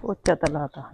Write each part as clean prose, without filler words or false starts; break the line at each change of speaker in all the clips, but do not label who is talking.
पोचा तो लाता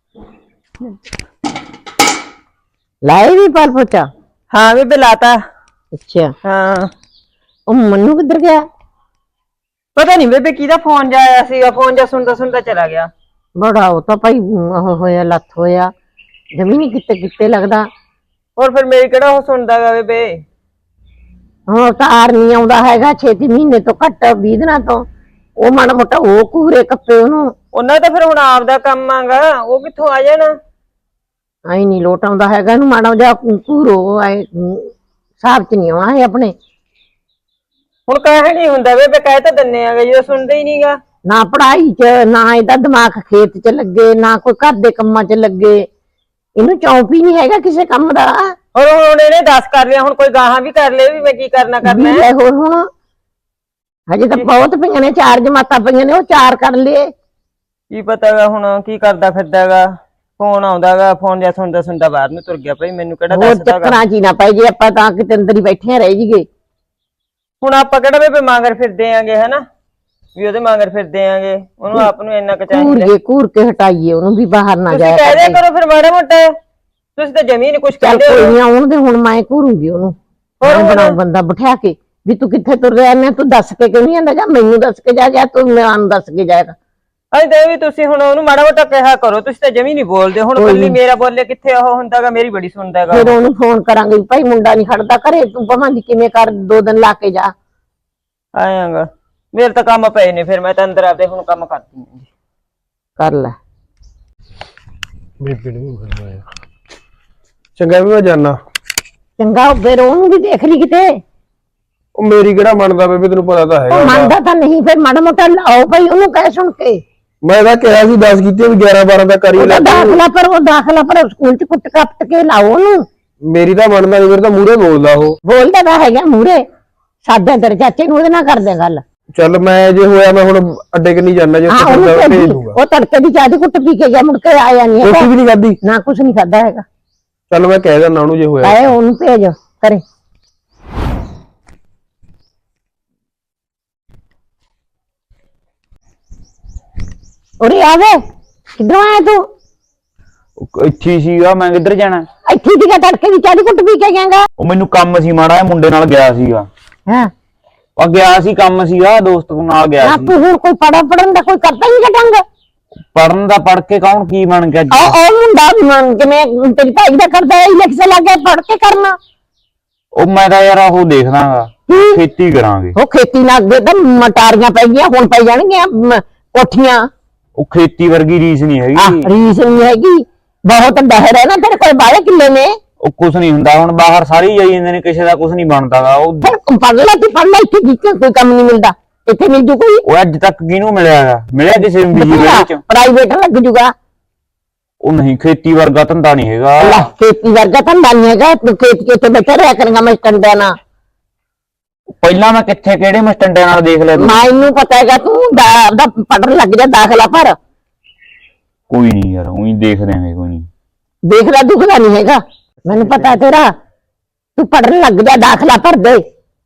लाए भी पाल पोचा।
हाँ बेबे लाता।
अच्छा
हाँ
मन्नू किधर गया?
पता नहीं बेबे किहदा फोन जाया सीगा, फोन जा सुनता सुनता चला गया।
बड़ा वो तो भाई होया लत होया जमीन किते किते लगदा।
और फिर मेरी केड़ा हो सुनदा गा बेबे।
हाँ तार नहीं आउंदा हैगा 6 महीने तो घट 20 दिनां तो ਉਹ ਮਾੜਾ ਮੋਟਾ ਉਹ ਕੂਰੇ ਕੱਪੇ ਉਹਨੂੰ
ਉਹਨਾਂ ਤਾਂ ਫਿਰ ਹੁਣ ਆਪਦਾ ਕੰਮ ਆਗਾ, ਉਹ ਕਿੱਥੋਂ ਆ ਜਾਣਾ।
ਆਈ ਨਹੀਂ ਲੋਟ ਆਉਂਦਾ ਹੈਗਾ ਇਹਨੂੰ ਮਾੜਾ ਜਿਹਾ ਕੂਰੋ ਹਿਸਾਬ ਚ ਨਹੀਂ ਆਉਣਾ ਹੈ ਆਪਣੇ।
ਹੁਣ ਕਹਿ ਨਹੀਂ ਹੁੰਦਾ ਬੇਬੇ, ਕਹਿ ਤਾਂ ਦਿੰਨੇ ਆਗੇ ਜਦੋਂ ਸੁਣਦੇ ਹੀ ਨਹੀਂਗਾ।
ਨਾ ਪੜਾਈ ਚ ਨਾ ਇਹਦਾ ਦਿਮਾਗ ਖੇਤ ਚ ਲੱਗੇ ਨਾ ਕੋਈ ਘਰ ਦੇ ਕੰਮਾਂ ਚ ਲੱਗੇ, ਇਹਨੂੰ ਚੌਂਕ ਹੀ ਨਹੀਂ ਹੈਗਾ ਕਿਸੇ ਕੰਮ ਦਾ।
और ਹੁਣ ਇਹਨੇ 10 ਕਰ ਲਿਆ, ਹੁਣ ਕੋਈ ਗਾਹਾਂ ਵੀ ਕਰ ਲੇ ਵੀ ਮੈਂ ਕੀ ਕਰਨਾ ਹੈ।
ਹੋਰ ਹੁਣ ਹਜੇ ਤਾਂ ਬਹੁਤ ਪਈਆਂ ਨੇ 4 ਜਮਾਤਾਂ ਪਈਆਂ ਨੇ, ਉਹ 4 ਕਰ ਲਏ।
ਕੀ ਪਤਾਗਾ ਹੁਣ ਕੀ ਕਰਦਾ ਫਿਰਦਾਗਾ। ਫੋਨ ਆਉਂਦਾਗਾ, ਫੋਨ ਜਾਂ ਸੁਣਦਾ ਸੁਣਦਾ ਬਾਹਰ ਨੂੰ ਤੁਰ ਗਿਆ। ਭਾਈ ਮੈਨੂੰ ਕਿਹੜਾ ਦੱਸਦਾਗਾ।
ਚੱਕਰਾਂ ਚ ਹੀ ਨਾ ਪੈ ਜੇ ਆਪਾਂ ਤਾਂ ਕਿਤੇ ਅੰਦਰ ਹੀ ਬੈਠੇ ਰਹਿ ਜੀਗੇ।
ਹੁਣ ਆਪਾਂ ਕਿਹੜਾ ਬੇਬੇ ਮੰਗਰ ਫਿਰਦੇ ਆਂਗੇ ਹਨਾ, ਵੀ ਉਹਦੇ ਮੰਗਰ ਫਿਰਦੇ ਆਂਗੇ। ਉਹਨੂੰ ਆਪ ਨੂੰ ਇੰਨਾ ਕੁ ਚਾਹੀਦਾ
ਘੂਰ ਕੇ ਹਟਾਈਏ ਉਹਨੂੰ ਵੀ ਬਾਹਰ ਨਾ ਜਾਏ।
ਕਹਿ ਦਿਆ ਕਰੋ ਫਿਰ ਮਾੜਾ ਮੋਟਾ, ਤੁਸੀਂ ਤਾਂ ਜ਼ਮੀਨ ਕੁਛ ਕਹਿੰਦੇ ਹੋ।
ਕੋਈ ਨਹੀਂ ਆਉਣ ਦੇ, ਹੁਣ ਮੈਂ ਘੂਰੂਗੀ ਉਹਨੂੰ। ਬਣਾਉ ਬੰਦਾ ਬਿਠਾ ਕੇ ਵੀ ਤੂੰ ਕਿੱਥੇ ਤੁਰ ਰਿਹਾ ਮੈਂ, ਤੂੰ ਦੱਸ ਕੇ ਕਿਉਂ ਨਹੀਂ ਆਂਦਾ? ਜਾਂ ਮੈਨੂੰ ਦੱਸ ਕੇ ਜਾ, ਜਾਂ ਤੂੰ ਮੈਨੂੰ ਦੱਸ ਕੇ ਜਾਏਗਾ।
ਅਜੇ ਤਾਂ ਵੀ ਤੁਸੀਂ ਹੁਣ ਉਹਨੂੰ ਮਾੜਾ ਮੋਟਾ ਕਿਹਾ ਕਰੋ, ਤੁਸੀਂ ਤਾਂ ਜਮੀ ਨਹੀਂ ਬੋਲਦੇ। ਹੁਣ ਕੱਲੀ ਮੇਰਾ ਬੋਲੇ ਕਿੱਥੇ ਉਹ ਹੁੰਦਾਗਾ, ਮੇਰੀ ਬੜੀ ਸੁਣਦਾਗਾ।
ਫਿਰ ਉਹਨੂੰ ਫੋਨ ਕਰਾਂਗੇ ਭਾਈ ਮੁੰਡਾ ਨਹੀਂ ਖੜਦਾ ਘਰੇ, ਤੂੰ ਭਾਵੇਂ ਦੀ ਕਿਵੇਂ ਕਰ 2 ਦਿਨ ਲਾ ਕੇ ਜਾ।
ਆਇਆਗਾ ਮੇਰੇ ਤਾਂ ਕੰਮ ਪਏ ਨੇ, ਫਿਰ ਮੈਂ ਤਾਂ ਅੰਦਰ ਆਪਦੇ ਹੁਣ ਕੰਮ ਕਰਦੀ ਹਾਂ।
ਕਰ ਲੈ
ਬੇਬੇ ਨੂੰ ਕਰਵਾਇਆ ਚੰਗਾ ਵੀ ਮੈਂ ਜਾਣਾ।
ਚੰਗਾ ਫਿਰ ਉਹਨੂੰ ਵੀ ਦੇਖ ਲਈ ਕਿਤੇ।
ਉਹ ਮੇਰੀ ਕਿਹੜਾ ਮੰਨਦਾ ਬੇਬੇ, ਤੈਨੂੰ ਪਤਾ ਤਾਂ ਹੈਗਾ।
ਮੰਨਦਾ ਤਾਂ ਨਹੀਂ, ਫਿਰ ਮਾੜਾ ਮੋਟਾ ਲਾਓ ਭਾਈ ਉਹਨੂੰ ਕਹਿ ਸੁਣ ਕੇ।
ਮੈਂ ਤਾਂ ਕਿਹਾ ਸੀ 10 ਕੀਤੇ ਵੀ 11 12 ਦਾ ਕਰੀ ਲੈ।
ਦਾਖਲਾ ਪਰ ਸਕੂਲ ਚ ਕੁੱਟ ਕੱਟ ਕੇ ਲਾਓ ਉਹਨੂੰ।
ਮੇਰੀ ਤਾਂ ਮੰਨਦਾ ਨਹੀਂ, ਮੇਰੇ ਤਾਂ ਮੂਹਰੇ ਬੋਲਦਾ ਉਹ।
ਬੋਲਦਾ ਤਾਂ ਹੈਗਾ ਮੂਹਰੇ, ਸਾਡੇ ਤੇਰੇ ਚਾਚੇ ਨੂੰ ਉਹਦੇ ਨਾਲ ਕਰਦੇ ਗੱਲ।
ਚੱਲ ਮੈਂ ਜੇ ਹੋਇਆ ਮੈਂ ਹੁਣ ਅੱਡੇ ਕਿ ਨਹੀਂ ਜਾਣਾ, ਜੇ ਭੇਜ ਦੂੰਗਾ।
ਉਹ ਤੜਕੇ ਦੀ ਚਾਹ ਦੀ ਕੁੱਟ ਪੀ ਕੇ ਗਿਆ, ਮੁੜ ਕੇ ਆਇਆ ਨਹੀਂ।
ਰੋਟੀ ਵੀ ਨਹੀਂ ਖਾਧੀ
ਨਾ ਕੁਛ ਨਹੀਂ ਖਾਦਾ ਹੈਗਾ।
ਚੱਲ ਮੈਂ ਕਹਿ ਦਿੰਦਾ ਉਹਨੂੰ ਜੇ ਹੋਇਆ।
ਆਏ ਉਹਨੂੰ ਭੇਜ ਕਰੇ। ਉਰੇ ਆ ਵੇ, ਕਿੱਧਰੋਂ ਆਇਆ ਤੂੰ?
ਇੱਥੇ ਸੀਗਾ, ਮੈਂ ਕਿੱਧਰ ਜਾਣਾ?
ਇੱਥੇ ਸੀਗਾ, ਤੜਕੇ ਦੀ ਚਾਹ ਦੀ ਕੁੱਟ ਪੀ ਕੇ ਗਿਆਗਾ।
ਉਹ ਮੈਨੂੰ ਕੰਮ ਸੀ ਮਾੜਾ ਜਿਹਾ, ਮੁੰਡੇ ਨਾਲ ਗਿਆ ਸੀਗਾ।
ਹਾਂ
ਉਹ ਗਿਆ ਸੀ, ਕੰਮ ਸੀਗਾ, ਦੋਸਤ ਨਾਲ ਗਿਆ ਸੀ।
ਤੂੰ ਹੁਣ ਕੋਈ ਪੜਨ ਦਾ ਕੋਈ ਕਰਦਾ ਨਹੀਂ ਢੰਗ।
ਪੜਨ ਦਾ ਪੜ ਕੇ ਕੌਣ ਕੀ ਬਣ ਗਿਆ?
ਉਹ ਮੁੰਡਾ ਜਿਵੇਂ ਤੇਰੀ ਭਾਈ ਦਾ ਕਰਦਾ ਹੈ, ਇਲੈਕਸ਼ਨ ਲੱਗ ਗਿਆ, ਪੜ ਕੇ ਕਰਨਾ।
ਉਹ ਮੈਂ ਤਾਂ ਯਾਰ ਉਹ ਦੇਖਦਾਗਾ, ਖੇਤੀ ਕਰਾਂਗੇ।
ਉਹ ਖੇਤੀ ਨਾਲ ਅੱਗੇ ਤਾਂ ਮਟਾਰੀਆਂ ਪੈ ਗਈਆਂ, ਹੁਣ ਪੈ ਜਾਣਗੀਆਂ ਕੋਠੀਆਂ।
ਉਹ ਖੇਤੀ ਵਰਗੀ ਰੀਸ ਨਹੀਂ ਹੈਗੀ।
ਰੀਸ ਨਹੀਂ ਹੈਗੀ, ਬਹੁਤ ਡਹਿਰ ਹੈ ਨਾ ਤੇਰੇ ਕੋਲ, 12 ਕਿੱਲੇ ਨੇ।
ਉਹ ਕੁਛ ਨਹੀਂ ਹੁੰਦਾ, ਹੁਣ ਬਾਹਰ ਸਾਰੇ ਹੀ ਜਾਈ ਜਾਂਦੇ ਨੇ, ਕਿਸੇ ਦਾ ਕੁਛ ਨਹੀਂ ਬਣਦਾਗਾ। ਉਹ
ਪੜ ਲੈ ਇੱਥੇ ਕੋਈ ਕੰਮ ਨਹੀਂ ਮਿਲਦਾ, ਇੱਥੇ ਮਿਲ ਜੂ ਕੋਈ?
ਉਹ ਅੱਜ ਤੱਕ ਕਿਹਨੂੰ ਮਿਲਿਆਗਾ? ਮਿਲਿਆ ਕਿਸੇ ਨੂੰ ਵਿੱਚ?
ਪ੍ਰਾਈਵੇਟ ਲੱਗ ਜੂਗਾ।
ਉਹ ਨਹੀਂ, ਖੇਤੀ ਵਰਗਾ ਧੰਦਾ ਨਹੀਂ ਹੈਗਾ।
ਖੇਤੀ ਵਰਗਾ ਧੰਦਾ ਨਹੀਂ ਹੈਗਾ, ਤੂੰ ਖੇਤ ਕੇ ਉੱਤੇ ਬੈਠਾ ਰਿਹਾ ਕਰਾਂਗਾ ਮੈਂ ਟੰਡਿਆਂ ਨਾਲ।
ਪਹਿਲਾਂ ਮੈਂ ਕਿੱਥੇ ਕਿਹੜੇ ਮਸਟੰਡਿਆਂ ਨਾਲ ਦੇਖ ਲਿਆ?
ਮੈਨੂੰ ਪਤਾ ਹੈਗਾ, ਤੂੰ ਪੜਨ ਲੱਗ ਜਾ, ਦਾਖਲਾ ਭਰ।
ਕੋਈ ਨਹੀਂ ਯਾਰ, ਉਹੀ ਦੇਖਦੇ ਆਂਗੇ, ਕੋਈ ਨਹੀਂ।
ਦੇਖਦਾ ਦੁਖਦਾ ਨਹੀਂ ਹੈਗਾ, ਮੈਨੂੰ ਪਤਾ ਤੇਰਾ। ਤੂੰ ਪੜਨ ਲੱਗ ਜਾ, ਦਾਖਲਾ ਭਰ ਦੇ।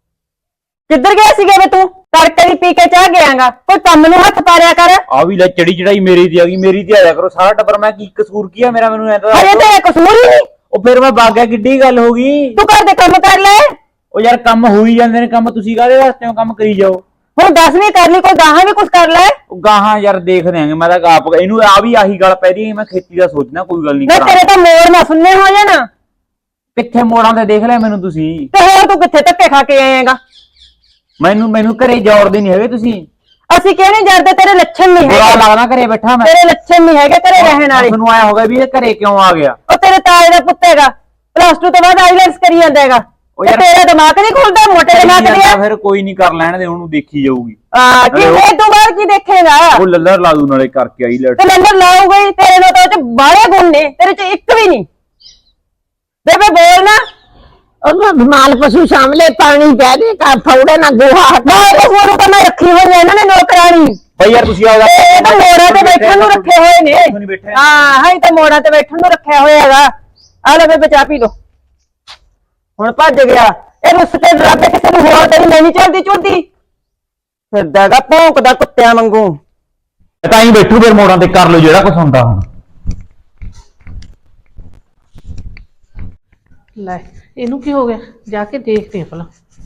ਕਿੱਧਰ ਗਿਆ ਸੀਗਾ ਵੇ ਤੂੰ? ਤੜਕੇ ਦੀ ਪੀ ਕੇ ਚਾਹ ਗਿਆਗਾ, ਕੋਈ ਕੰਮ ਨੂੰ ਹੱਥ ਪਾਰਿਆ ਕਰ।
ਆ ਵੀ ਲੈ ਚੜੀ ਚੜਾਈ ਮੇਰੀ ਦੀ ਆ ਗਈ, ਮੇਰੀ ਤੇ ਆਇਆ ਕਰੋ ਸਾਰਾ ਟੱਬਰ। ਮੈਂ ਕੀ ਕਸੂਰ ਕੀਆ ਮੇਰਾ, ਮੈਨੂੰ ਐ ਤਾਂ
ਅਰੇ ਤੇਰਾ ਕਸੂਰ ਹੀ ਨਹੀਂ।
ਉਹ ਫਿਰ ਮੈਂ ਬਾਗਿਆ, ਕਿੱਡੀ ਗੱਲ ਹੋ ਗਈ?
ਤੂੰ ਘਰ ਦੇ ਕੰਮ ਕਰ ਲੈ।
ਉਹ ਯਾਰ ਕੰਮ ਹੋ ਹੀ ਜਾਂਦੇ ਨੇ, ਕੰਮ ਤੁਸੀਂ ਕਾਹਦੇ ਵਾਸਤੇ ਹੋ? ਕੰਮ ਕਰੀ ਜਾਓ।
ਹੁਣ 10ਵੀਂ ਕਰ ਲਈ, ਕੋਈ ਗਾਹਾਂ ਵੀ ਕੁਛ ਕਰ ਲੈ।
ਉਹ ਗਾਹਾਂ ਯਾਰ ਦੇਖ ਦਿਆਂਗੇ। ਮੈਂ ਤਾਂ ਆਪ ਇਹਨੂੰ ਆ ਵੀ ਆਹੀ ਗੱਲ ਪੈ ਰਹੀ, ਮੈਂ ਖੇਤੀ ਦਾ ਸੋਚਣਾ, ਕੋਈ ਗੱਲ ਨਹੀਂ।
ਤੇਰੇ ਤਾਂ ਮੋੜ ਨਾ ਸੁਣਨੇ ਹੋ ਜਾਣਾ।
ਕਿੱਥੇ ਮੋੜਾਂ ਤੇ ਦੇਖ ਲਿਆ ਮੈਨੂੰ ਤੁਸੀਂ?
ਤੇ ਹੋਰ ਤੂੰ ਕਿੱਥੇ ਧੱਕੇ ਖਾ ਕੇ ਆਏਗਾ?
ਮੈਨੂੰ ਘਰੇ ਜੋੜਦੇ ਨਹੀਂ ਹੈਗੇ ਤੁਸੀਂ।
ਅਸੀਂ ਕਿਉਂ ਨਹੀਂ ਜਰਦੇ? ਤੇਰੇ ਲੱਛਣ ਨਹੀਂ
ਬੁਰਾ
ਹੈਗੇ,
ਲੱਗਦਾ ਘਰੇ ਬੈਠਾ ਮੈਂ।
ਤੇਰੇ ਲੱਛਣ ਨਹੀਂ ਹੈਗੇ ਘਰੇ ਰਹਿਣ ਵਾਲੇ।
ਮੈਨੂੰ ਆਇਆ ਹੋਗਾ ਵੀ ਇਹ ਘਰੇ ਕਿਉਂ ਆ ਗਿਆ?
ਉਹ ਤੇਰੇ ਤਾਏ ਦਾ ਪੁੱਤ ਹੈਗਾ, +2 ਤੋਂ ਬਾਅਦ ਆਈਲੈਂਸ ਕਰੀ ਜਾਂਦਾ ਹੈਗਾ। ਤੇਰਾ ਦਿਮਾਗ ਨਹੀਂ ਖੁੱਲਦਾ? ਮੋਟੇ ਦਿਮਾਗ ਦੇ
ਫਿਰ ਕੋਈ ਨਹੀਂ, ਕਰ ਲੈਣ ਦੇ ਉਹਨੂੰ, ਦੇਖੀ ਜਾਊਗੀ।
ਕੀ ਇਹ ਤੋਂ ਬਾਅਦ ਕੀ ਦੇਖੇਗਾ?
ਉਹ ਲੱਲਰ ਲਾ ਦੂ ਨਾਲੇ ਕਰਕੇ ਆਈ ਲੈਟ।
ਤੇ ਨੰਬਰ ਲਾਊਗਾ ਹੀ, ਤੇਰੇ ਨਾਲ ਤਾਂ ਉਹ ਚ ਬਾਹਲੇ ਗੁਣ ਨੇ, ਤੇਰੇ ਚ ਇੱਕ ਵੀ ਨਹੀਂ। ਬੇਬੇ ਬੋਲ ਨਾ।
ਉਹਨੂੰ ਮਾਲ ਪਸ਼ੂ ਸਾਹਮਣੇ ਪਾਣੀ ਪੈ ਦੇ ਕਾ ਫੌੜੇ ਨਾ ਗੋਹਾ ਹਟਾ।
ਹੋਰ ਤਾਂ ਮੈਂ ਰੱਖੀ ਹੋਈ ਹੈ ਇਹਨਾਂ ਨੇ ਨੌਕਰਾਣੀ।
ਬਈ ਯਾਰ ਤੁਸੀਂ ਆਓ,
ਇਹ ਤਾਂ ਮੋੜਾਂ ਤੇ ਬੈਠਣ ਨੂੰ ਰੱਖੇ ਹੋਏ ਨੇ। ਹਾਂ ਹਾਂ, ਤਾਂ ਮੋੜਾਂ ਤੇ ਬੈਠਣ ਨੂੰ ਰੱਖਿਆ ਹੋਇਆ ਹੈਗਾ। ਆ ਲੈ ਬੇਬੇ ਚਾਹ ਪੀ ਲੋ। ਹੁਣ ਭੱਜ ਗਿਆ ਇਹ, ਰੁੱਸ ਕੇ ਡਰਾਵੇ ਕਿਸੇ ਨੂੰ ਹੋਰ ਤੇਰੀ ਨਹੀਂ ਚੱਲਦੀ ਚੁੱਲਦੀ ਫਿਰਦਾਗਾ, ਭੌਂਕਦਾ ਕੁੱਤਿਆਂ ਵਾਂਗੂ।
ਤਾਂ ਹੀ ਬੈਠੂ ਫਿਰ ਮੋੜਾਂ ਤੇ ਕਰ ਲਓ ਜਿਹੜਾ ਕੁਛ ਹੁੰਦਾ ਹੁਣ।
ਲੈ ਇਹਨੂੰ ਕੀ ਹੋ ਗਿਆ, ਜਾ ਕੇ ਦੇਖਦੇ ਆ ਭਲਾ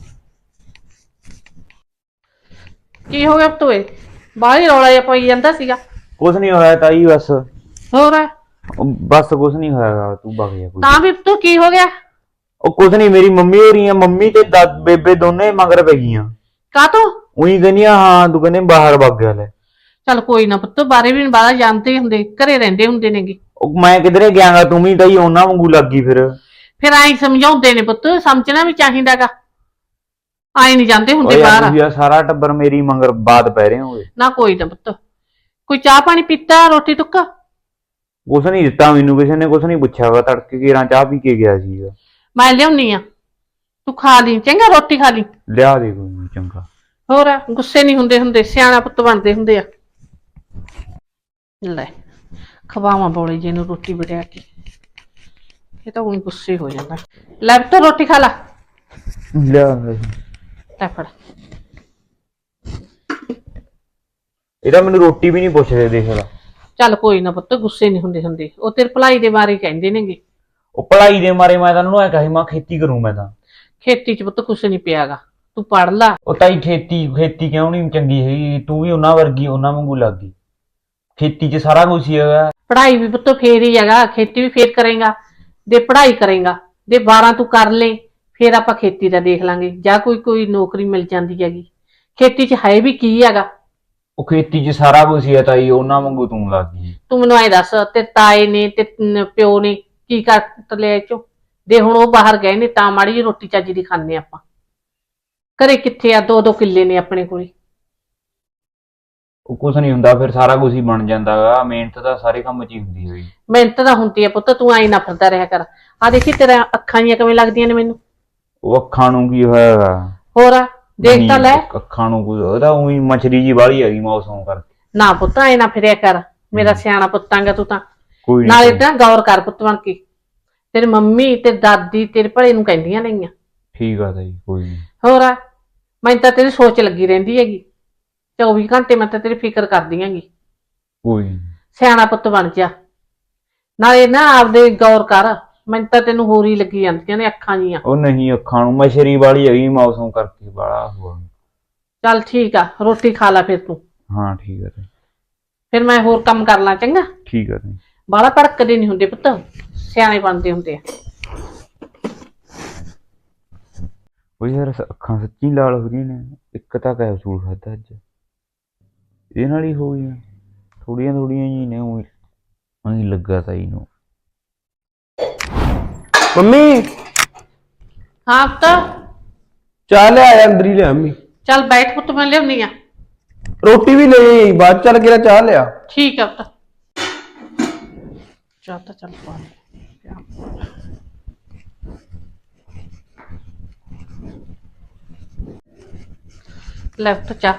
ਕੀ ਹੋ ਗਿਆ। ਤੋਏ ਬਾਹਰ ਹੀ ਰੌਲਾ ਜਿਹਾ ਪਈ ਜਾਂਦਾ ਸੀਗਾ।
ਕੁਛ ਨਹੀਂ ਹੋਇਆ ਤਾਈ, ਬਸ
ਹੋਰ
ਬਸ ਕੁਛ ਨਹੀਂ ਹੋਇਆ, ਤੂੰ ਵਗ ਜਾ ਕੋਈ।
ਤਾਂ ਵੀ ਤੂੰ ਕੀ ਹੋ ਗਿਆ?
ਉਹ ਕੁਛ ਨਹੀਂ, ਮੇਰੀ ਮੰਮੀ ਹੋ ਰਹੀ ਆ, ਮੰਮੀ ਤੇ ਬੇਬੇ ਦੋਨੇ ਮਗਰ ਪੈ ਗਈਆਂ।
ਕਾ ਤੂੰ
ਉਹੀ ਕਹਿੰਦੀਆਂ ਹਾਂ, ਤੂੰ ਕਹਿੰਦੇ ਬਾਹਰ ਵਗ ਗਿਆ ਲੈ।
ਚੱਲ ਕੋਈ ਨਾ ਪੁੱਤ, ਬਾਰੇ ਵੀ ਬਾਹਰ ਜਾਣਦੇ ਹੁੰਦੇ, ਘਰੇ ਰਹਿੰਦੇ ਹੁੰਦੇ ਨੇਗੇ।
ਉਹ ਮੈਂ ਕਿਧਰੇ ਗਿਆਗਾ, ਤੂੰ ਵੀ ਤਾਈ ਉਹਨਾਂ ਵਾਂਗੂ ਲੱਗੀ
ਫਿਰ ਆਈ ਸਮਝਾਉਂਦੇ ਨੇ ਪੁੱਤ, ਸਮਝਣਾ ਵੀ ਚਾਹੀਦਾਗਾ। ਆਈ ਨਹੀਂ ਜਾਂਦੇ ਹੁੰਦੇ ਬਾਹਰ।
ਤੁਸੀਂ ਸਾਰਾ ਟੱਬਰ ਮੇਰੀ ਮਗਰ ਬਾਤ ਪੈ ਰਹੇ ਹੋਗੇ।
ਨਾ ਕੋਈ ਨਾ ਪੁੱਤ, ਕੋਈ ਚਾਹ ਪਾਣੀ ਪੀਤਾ, ਰੋਟੀ ਟੁੱਕਾ?
ਕੁਛ ਨਹੀਂ ਦਿੱਤਾ ਮੈਨੂੰ, ਕਿਸੇ ਨੇ ਕੁਛ ਨਹੀਂ ਪੁੱਛਿਆ ਵਾ। ਤੜਕੇ ਘੇਰਾਂ ਚਾਹ ਪੀ ਕੇ ਗਿਆ ਸੀਗਾ।
ਮੈਂ ਲਿਆਉਣੀ ਆ, ਤੂੰ ਖਾ ਲਈ ਚੰਗਾ, ਰੋਟੀ ਖਾ ਲਈ।
ਲਿਆ ਦੇ ਕੋਈ ਨੀ, ਚੰਗਾ।
ਹੋਰ ਗੁੱਸੇ ਨਹੀਂ ਹੁੰਦੇ, ਸਿਆਣਾ ਪੁੱਤ ਬਣਦੇ ਹੁੰਦੇ ਆ। ਲੈ ਖਵਾਵਾਂ ਬੋਲੇ ਜੀ ਨੂੰ ਰੋਟੀ ਬੜਿਆ ਕੇ, ਇਹ ਤਾਂ ਉਹੀ ਗੁੱਸੇ ਹੋ ਜਾਂਦਾ। ਲੈ ਪੁੱਤ ਰੋਟੀ ਖਾ ਲਾ।
ਲਿਆ
ਲੈ ਫੜ।
ਇਹਦਾ ਮੈਨੂੰ ਰੋਟੀ ਵੀ ਨਹੀਂ ਪੁੱਛਦੇ, ਦੇਖ ਲਾ।
ਚੱਲ ਕੋਈ ਨਾ ਪੁੱਤ, ਗੁੱਸੇ ਨਹੀਂ ਹੁੰਦੇ, ਉਹ ਤੇਰੇ ਭਲਾਈ ਦੇ ਬਾਰੇ ਕਹਿੰਦੇ ਨੇਗੇ।
ਉਹ ਪੜ੍ਹਾਈ ਦੇ ਮਾਰੇ ਮੈਂ ਤਾਂ ਉਹਨੂੰ ਐ ਕਹੀ, ਮੈਂ ਖੇਤੀ ਕਰੂੰ। ਮੈਂ ਤਾਂ
ਖੇਤੀ ਚ ਪੁੱਤ ਕੁਛ ਨਹੀਂ ਪਿਆਗਾ, ਤੂੰ ਪੜ ਲਾ।
ਉਹ ਤਾਈ ਖੇਤੀ ਕਿਉਂ ਨਹੀਂ ਚੰਗੀ ਹੈਗੀ? ਤੂੰ ਵੀ ਉਹਨਾਂ ਵਰਗੀ, ਉਹਨਾਂ ਵਾਂਗੂ ਲੱਗ ਗਈ। ਖੇਤੀ 'ਚ ਸਾਰਾ ਕੁਝ ਹੀ ਹੈਗਾ।
ਪੜ੍ਹਾਈ ਵੀ ਪੁੱਤ ਫੇਰ ਹੀ ਹੈਗਾ, ਖੇਤੀ ਵੀ ਫੇਰ ਕਰੇਗਾ। ਜੇ ਪੜ੍ਹਾਈ ਕਰੇਗਾ, ਜੇ 12 ਤੂੰ ਕਰ ਲੈ, ਫੇਰ ਆਪਾਂ ਖੇਤੀ ਦਾ ਦੇਖ ਲਾਂਗੇ, ਜਾਂ ਕੋਈ ਨੌਕਰੀ ਮਿਲ ਜਾਂਦੀ ਹੈਗੀ। ਖੇਤੀ 'ਚ ਹੈ ਵੀ ਕੀ ਹੈਗਾ?
ਉਹ ਖੇਤੀ 'ਚ ਸਾਰਾ ਕੁਝ ਹੀ ਹੈ ਤਾਈ, ਉਹਨਾਂ ਵਾਂਗੂ ਤੂੰ ਲੱਗ ਗਈ।
ਤੂੰ ਮੈਨੂੰ ਐ ਦੱਸ, ਤੇ ਤਾਏ ਨੇ ਤੇ ਪਿਓ ਨੇ ਕੀ ਕਰ ਲਿਆ ਚੋਂ? ਦੇ ਹੁਣ ਉਹ ਬਾਹਰ ਗਏ ਨੇ ਤਾਂ ਮਾੜੀ ਜਿਹੀ ਰੋਟੀ ਚੱਜ ਦੀ ਖਾਂਦੇ ਆਪਾਂ। ਘਰੇ ਕਿੱਥੇ ਆ, 2-2 ਕਿੱਲੇ ਨੇ ਆਪਣੇ ਕੋਲੇ।
ਉਹ ਕੁਛ ਨਹੀਂ ਹੁੰਦਾ, ਫਿਰ ਸਾਰਾ ਕੁਝ ਹੀ ਬਣ ਜਾਂਦਾ ਗਾ। ਮਿਹਨਤ ਤਾਂ ਸਾਰੇ ਕੰਮ 'ਚ ਹੀ ਹੁੰਦੀ ਹੋਈ।
ਮਿਹਨਤ ਤਾਂ ਹੁੰਦੀ ਆ ਪੁੱਤ, ਤੂੰ ਐਂ ਨਾ ਫਿਰਦਾ ਰਿਹਾ ਕਰ। ਆ ਦੇਖੀ ਤੇਰਾ ਅੱਖਾਂ ਜੀਆਂ ਕਿਵੇਂ ਲੱਗਦੀਆਂ ਨੇ ਮੈਨੂੰ।
ਉਹ ਅੱਖਾਂ ਨੂੰ ਕੀ ਹੋਇਆ?
ਹੋਰ ਦੇਖ ਤਾਂ ਲੈ।
ਅੱਖਾਂ ਨੂੰ ਕੋਈ, ਉਹਦਾ ਉਹੀ ਮਛਰੀ ਜੀ ਵਾਲੀ ਹੈਗੀ ਮੌਸਮ ਕਰਕੇ।
ਨਾ ਪੁੱਤ ਐ ਨਾ ਫਿਰਿਆ ਕਰ, ਮੇਰਾ ਸਿਆਣਾ ਪੁੱਤਾਂਗਾ ਤੂੰ ਤਾਂ।
ਕੋਈ
ਨਾਲੇ ਤਾਂ ਗੌਰ ਕਰ ਪੁੱਤ ਬਣ ਕੇ, ਤੇਰੀ ਮੰਮੀ ਤੇ ਦਾਦੀ ਤੇਰੇ ਭਲੇ ਨੂੰ ਕਹਿੰਦੀਆਂ ਨੇਗੀਆਂ।
ਠੀਕ ਆ ਤਾਈ, ਕੋਈ ਨਹੀਂ।
ਹੋਰ ਮੈਨੂੰ ਤਾਂ ਤੇਰੀ ਸੋਚ ਲੱਗੀ ਰਹਿੰਦੀ ਹੈਗੀ, 24 ਘੰਟੇ ਮੈਂ ਤਾਂ ਤੇਰੀ ਫਿਕਰ ਕਰਦੀ ਹੈਗੀ।
ਕੋਈ ਨੀ।
ਸਿਆਣਾ ਪੁੱਤ ਬਣ ਜਾ, ਨਾਲੇ ਨਾ ਆਪਦੇ ਗੌਰ ਕਰ। ਮੈਨੂੰ ਤਾਂ ਤੈਨੂੰ ਹੋਰ ਹੀ ਲੱਗੀ ਜਾਂਦੀਆਂ ਨੇ ਅੱਖਾਂ ਜੀਆਂ।
ਉਹ ਨਹੀਂ, ਅੱਖਾਂ ਨੂੰ ਮਛਰੀ ਵਾਲੀ ਹੈਗੀ ਮੌਸਮ ਕਰਕੇ, ਬਾਲਾ ਹੋਆ।
ਚੱਲ ਠੀਕ ਆ, ਰੋਟੀ ਖਾ ਲਾ ਫਿਰ ਤੂੰ।
ਹਾਂ ਠੀਕ ਆ ਤਾਈ।
ਫਿਰ ਮੈਂ ਹੋਰ ਕੰਮ ਕਰ ਲਾਂ, ਚੰਗਾ?
ਠੀਕ ਆ ਤਾਈ।
ਬਾਹਲਾ ਭੜਕਦੇ ਨਹੀਂ ਹੁੰਦੇ ਪੁੱਤ, ਸਿਆਣੇ ਬਣਦੇ ਹੁੰਦੇ ਆ।
ਉਹ ਯਾਰ ਅੱਖਾਂ ਸੱਚੀ ਲਾਲ ਹੋ ਰਹੀਆਂ ਨੇ। ਇੱਕ ਤਾਂ ਕੈਪਸੂਲ ਖਾਧਾ ਅੱਜ, ਇਹਦੇ ਨਾਲ ਹੀ ਹੋ ਗਈਆਂ। ਥੋੜੀਆਂ ਜੀ ਨੇ, ਉਹੀ ਲੱਗਾ ਤਾਈ ਨੂੰ।
ਮੰਮੀ
ਹਾਂ ਪੁੱਤ,
ਚਾਹ ਲਿਆ, ਅੰਦਰ ਹੀ ਲਿਆ ਮੰਮੀ।
ਚੱਲ ਬੈਠ ਪੁੱਤ, ਮੈਂ ਲਿਆਉਣੀ ਆ।
ਰੋਟੀ ਵੀ ਲਈ, ਬਾਅਦ ਚੱਲ ਕੇ ਚਾਹ ਲਿਆ।
ਠੀਕ ਆ ਪੁੱਤ, ਚਾਹ ਤਾਂ ਚੱਲ ਪਾ ਲੈ। ਲੈ ਪੁੱਤ ਚਾਹ।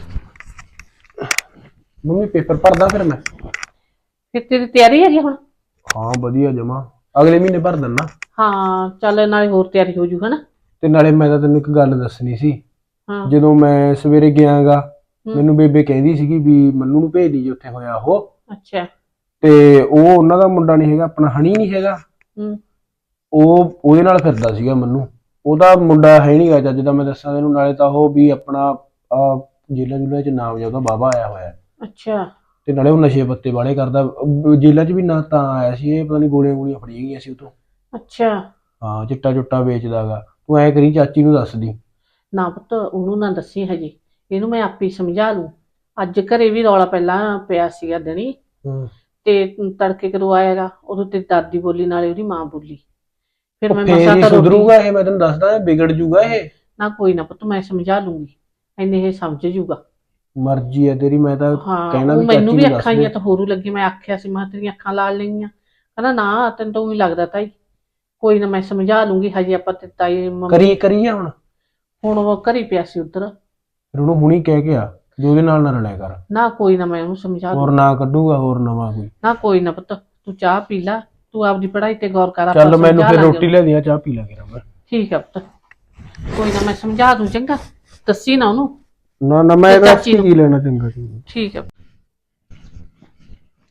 ਮੰਮੀ ਪੇਪਰ ਪੜਦਾ ਫਿਰ ਮੈਂ।
ਫਿਰ ਤੇਰੀ ਤਿਆਰੀ ਹੈਗੀ ਹੁਣ?
ਹਾਂ ਵਧੀਆ ਜਮਾ, ਅਗਲੇ ਮਹੀਨੇ ਭਰ ਦਿੰਨਾ।
ਹਾਂ ਚੱਲ, ਨਾਲੇ ਹੋਰ ਤਿਆਰੀ ਹੋ ਜੂ ਹਨਾ।
ਤੇ ਨਾਲੇ ਮੈਂ ਤਾਂ ਤੈਨੂੰ ਇੱਕ ਗੱਲ ਦੱਸਣੀ ਸੀ।
ਹਾਂ।
ਜਦੋਂ ਮੈਂ ਸਵੇਰੇ ਗਿਆਗਾ, ਮੈਨੂੰ ਬੇਬੇ ਕਹਿੰਦੀ ਸੀਗੀ ਵੀ ਮੰਨੂ ਨੂੰ ਭੇਜ ਦੀ, ਉੱਥੇ ਹੋਇਆ ਉਹ।
ਅੱਛਾ।
ਤੇ ਉਹ ਉਹਨਾਂ ਦਾ ਮੁੰਡਾ ਨਹੀਂ ਹੈਗਾ, ਆਪਣਾ ਹਣੀ ਨਹੀਂ ਹੈਗਾ, ਉਹ ਉਹਦੇ ਨਾਲ ਫਿਰਦਾ ਸੀਗਾ ਮੰਨੂ। ਉਹਦਾ ਮੁੰਡਾ ਹੈ ਨਹੀਂਗਾ ਚੱਜ ਦਾ, ਮੈਂ ਦੱਸਾਂ ਤੈਨੂੰ। ਨਾਲੇ ਤਾਂ ਉਹ ਵੀ ਆਪਣਾ ਜੇਲਾਂ ਜੁਲਾਂ 'ਚ ਨਾਮ ਜਿਹਾ ਉਹਦਾ ਬਾਬਾ ਆਇਆ ਹੋਇਆ।
ਅੱਛਾ।
ਤੇ ਨਾਲੇ ਉਹ ਨਸ਼ੇ ਪੱਤੇ ਵਾਲੇ ਕਰਦਾ। ਜੇਲਾਂ 'ਚ ਵੀ ਨਾ ਤਾਂ ਆਇਆ ਸੀ ਇਹ, ਪਤਾ ਨਹੀਂ ਗੋਲੀਆਂ ਫੜੀਆਂ ਗਈਆਂ ਸੀ ਉਤੋਂ।
ਅੱਛਾ।
ਹਾਂ, ਚਿੱਟਾ ਚੁੱਟਾ ਵੇਚਦਾਗਾ। ਤੂੰ ਐ ਕਰੀ, ਚਾਚੀ ਨੂੰ ਦੱਸ ਦੀ।
ਨਾ ਪੁੱਤ ਉਹਨੂੰ ਨਾ ਦੱਸੀ ਹਜੇ, ਇਹਨੂੰ ਮੈਂ ਆਪੇ ਸਮਝਾ ਲੂ। ਅੱਜ ਘਰੇ ਵੀ ਰੌਲਾ ਪਹਿਲਾਂ ਪਿਆ ਸੀਗਾ ਦਿਨੀ, ਤੇ ਤੜਕੇ ਕਦੋਂ ਆਏਗਾ ਉਦੋਂ ਤੇ ਦਾਦੀ ਬੋਲੀ, ਨਾਲੇ ਉਹਦੀ ਮਾਂ ਬੋਲੀ। ਫਿਰ ਮੈਂ ਮਸਾ ਤਾਂ
ਸੁਧਰੂਗਾ ਇਹ, ਮੈਂ ਤੈਨੂੰ ਦੱਸਦਾ, ਵਿਗੜ ਜੂਗਾ ਇਹ।
ਨਾ ਕੋਈ ਨਾ ਪੁੱਤ, ਮੈਂ ਸਮਝਾ ਲੂੰਗੀ, ਇੰਨੇ ਇਹ ਸਮਝ ਜੂਗਾ।
ਮਰਜ਼ੀ ਹੈ ਤੇਰੀ, ਮੈਂ ਤਾਂ ਕਹਿਣਾ ਵੀ
ਮੈਨੂੰ ਵੀ ਅੱਖਾਂ ਹੀ ਤਾਂ ਹੋਰੂ ਲੱਗੀ। ਮੈਂ ਆਖਿਆ ਸੀ ਮੈਂ ਤੇਰੀਆਂ ਅੱਖਾਂ ਲਾਲ ਲਈਆਂ, ਕਹਿੰਦਾ ਨਾ ਤੈਨੂੰ ਤਾਂ ਉਹੀ ਲੱਗਦਾ ਤਾਈ। ਕੋਈ ਨਾ ਮੈਂ ਸਮਝਾ ਲੂੰਗੀ, ਹਜੇ ਆਪਾਂ ਤੇ ਤਾਈ
ਕਰੀਏ ਹੁਣ
ਉਹ ਘਰੀ ਪਿਆ ਸੀ ਉੱਧਰ।
ਫਿਰ ਉਹਨੂੰ ਹੁਣੀ ਕਹਿ ਕੇ ਆ ਵੀ ਉਹਦੇ ਨਾਲ ਨਾ ਰਲਿਆ ਕਰ।
ਨਾ ਕੋਈ ਨਾ, ਮੈਂ ਉਹਨੂੰ ਸਮਝਾ
ਹੋਰ ਨਾ ਕੱਢੂਗਾ ਹੋਰ ਨਵਾਂ ਕੋਈ।
ਨਾ ਕੋਈ ਨਾ ਪੁੱਤ, ਤੂੰ ਚਾਹ ਪੀ ਲਾ, ਤੂੰ ਆਪਦੀ ਪੜ੍ਹਾਈ ਤੇ ਗੌਰ ਕਰ।
ਚੱਲ ਮੈਨੂੰ ਫਿਰ ਰੋਟੀ ਲੈ ਦਿਆਂ, ਚਾਹ ਪੀ ਲਾ ਕੇ।
ਠੀਕ ਆ ਪੁੱਤ, ਕੋਈ ਨਾ ਮੈਂ ਸਮਝਾ ਦੂੰ, ਚੰਗਾ? ਦੱਸੀ ਨਾ ਉਹਨੂੰ।
ਨਾ ਮੈਂ ਕੀ ਲੈਣਾ, ਚੰਗਾ।
ਠੀਕ ਆ।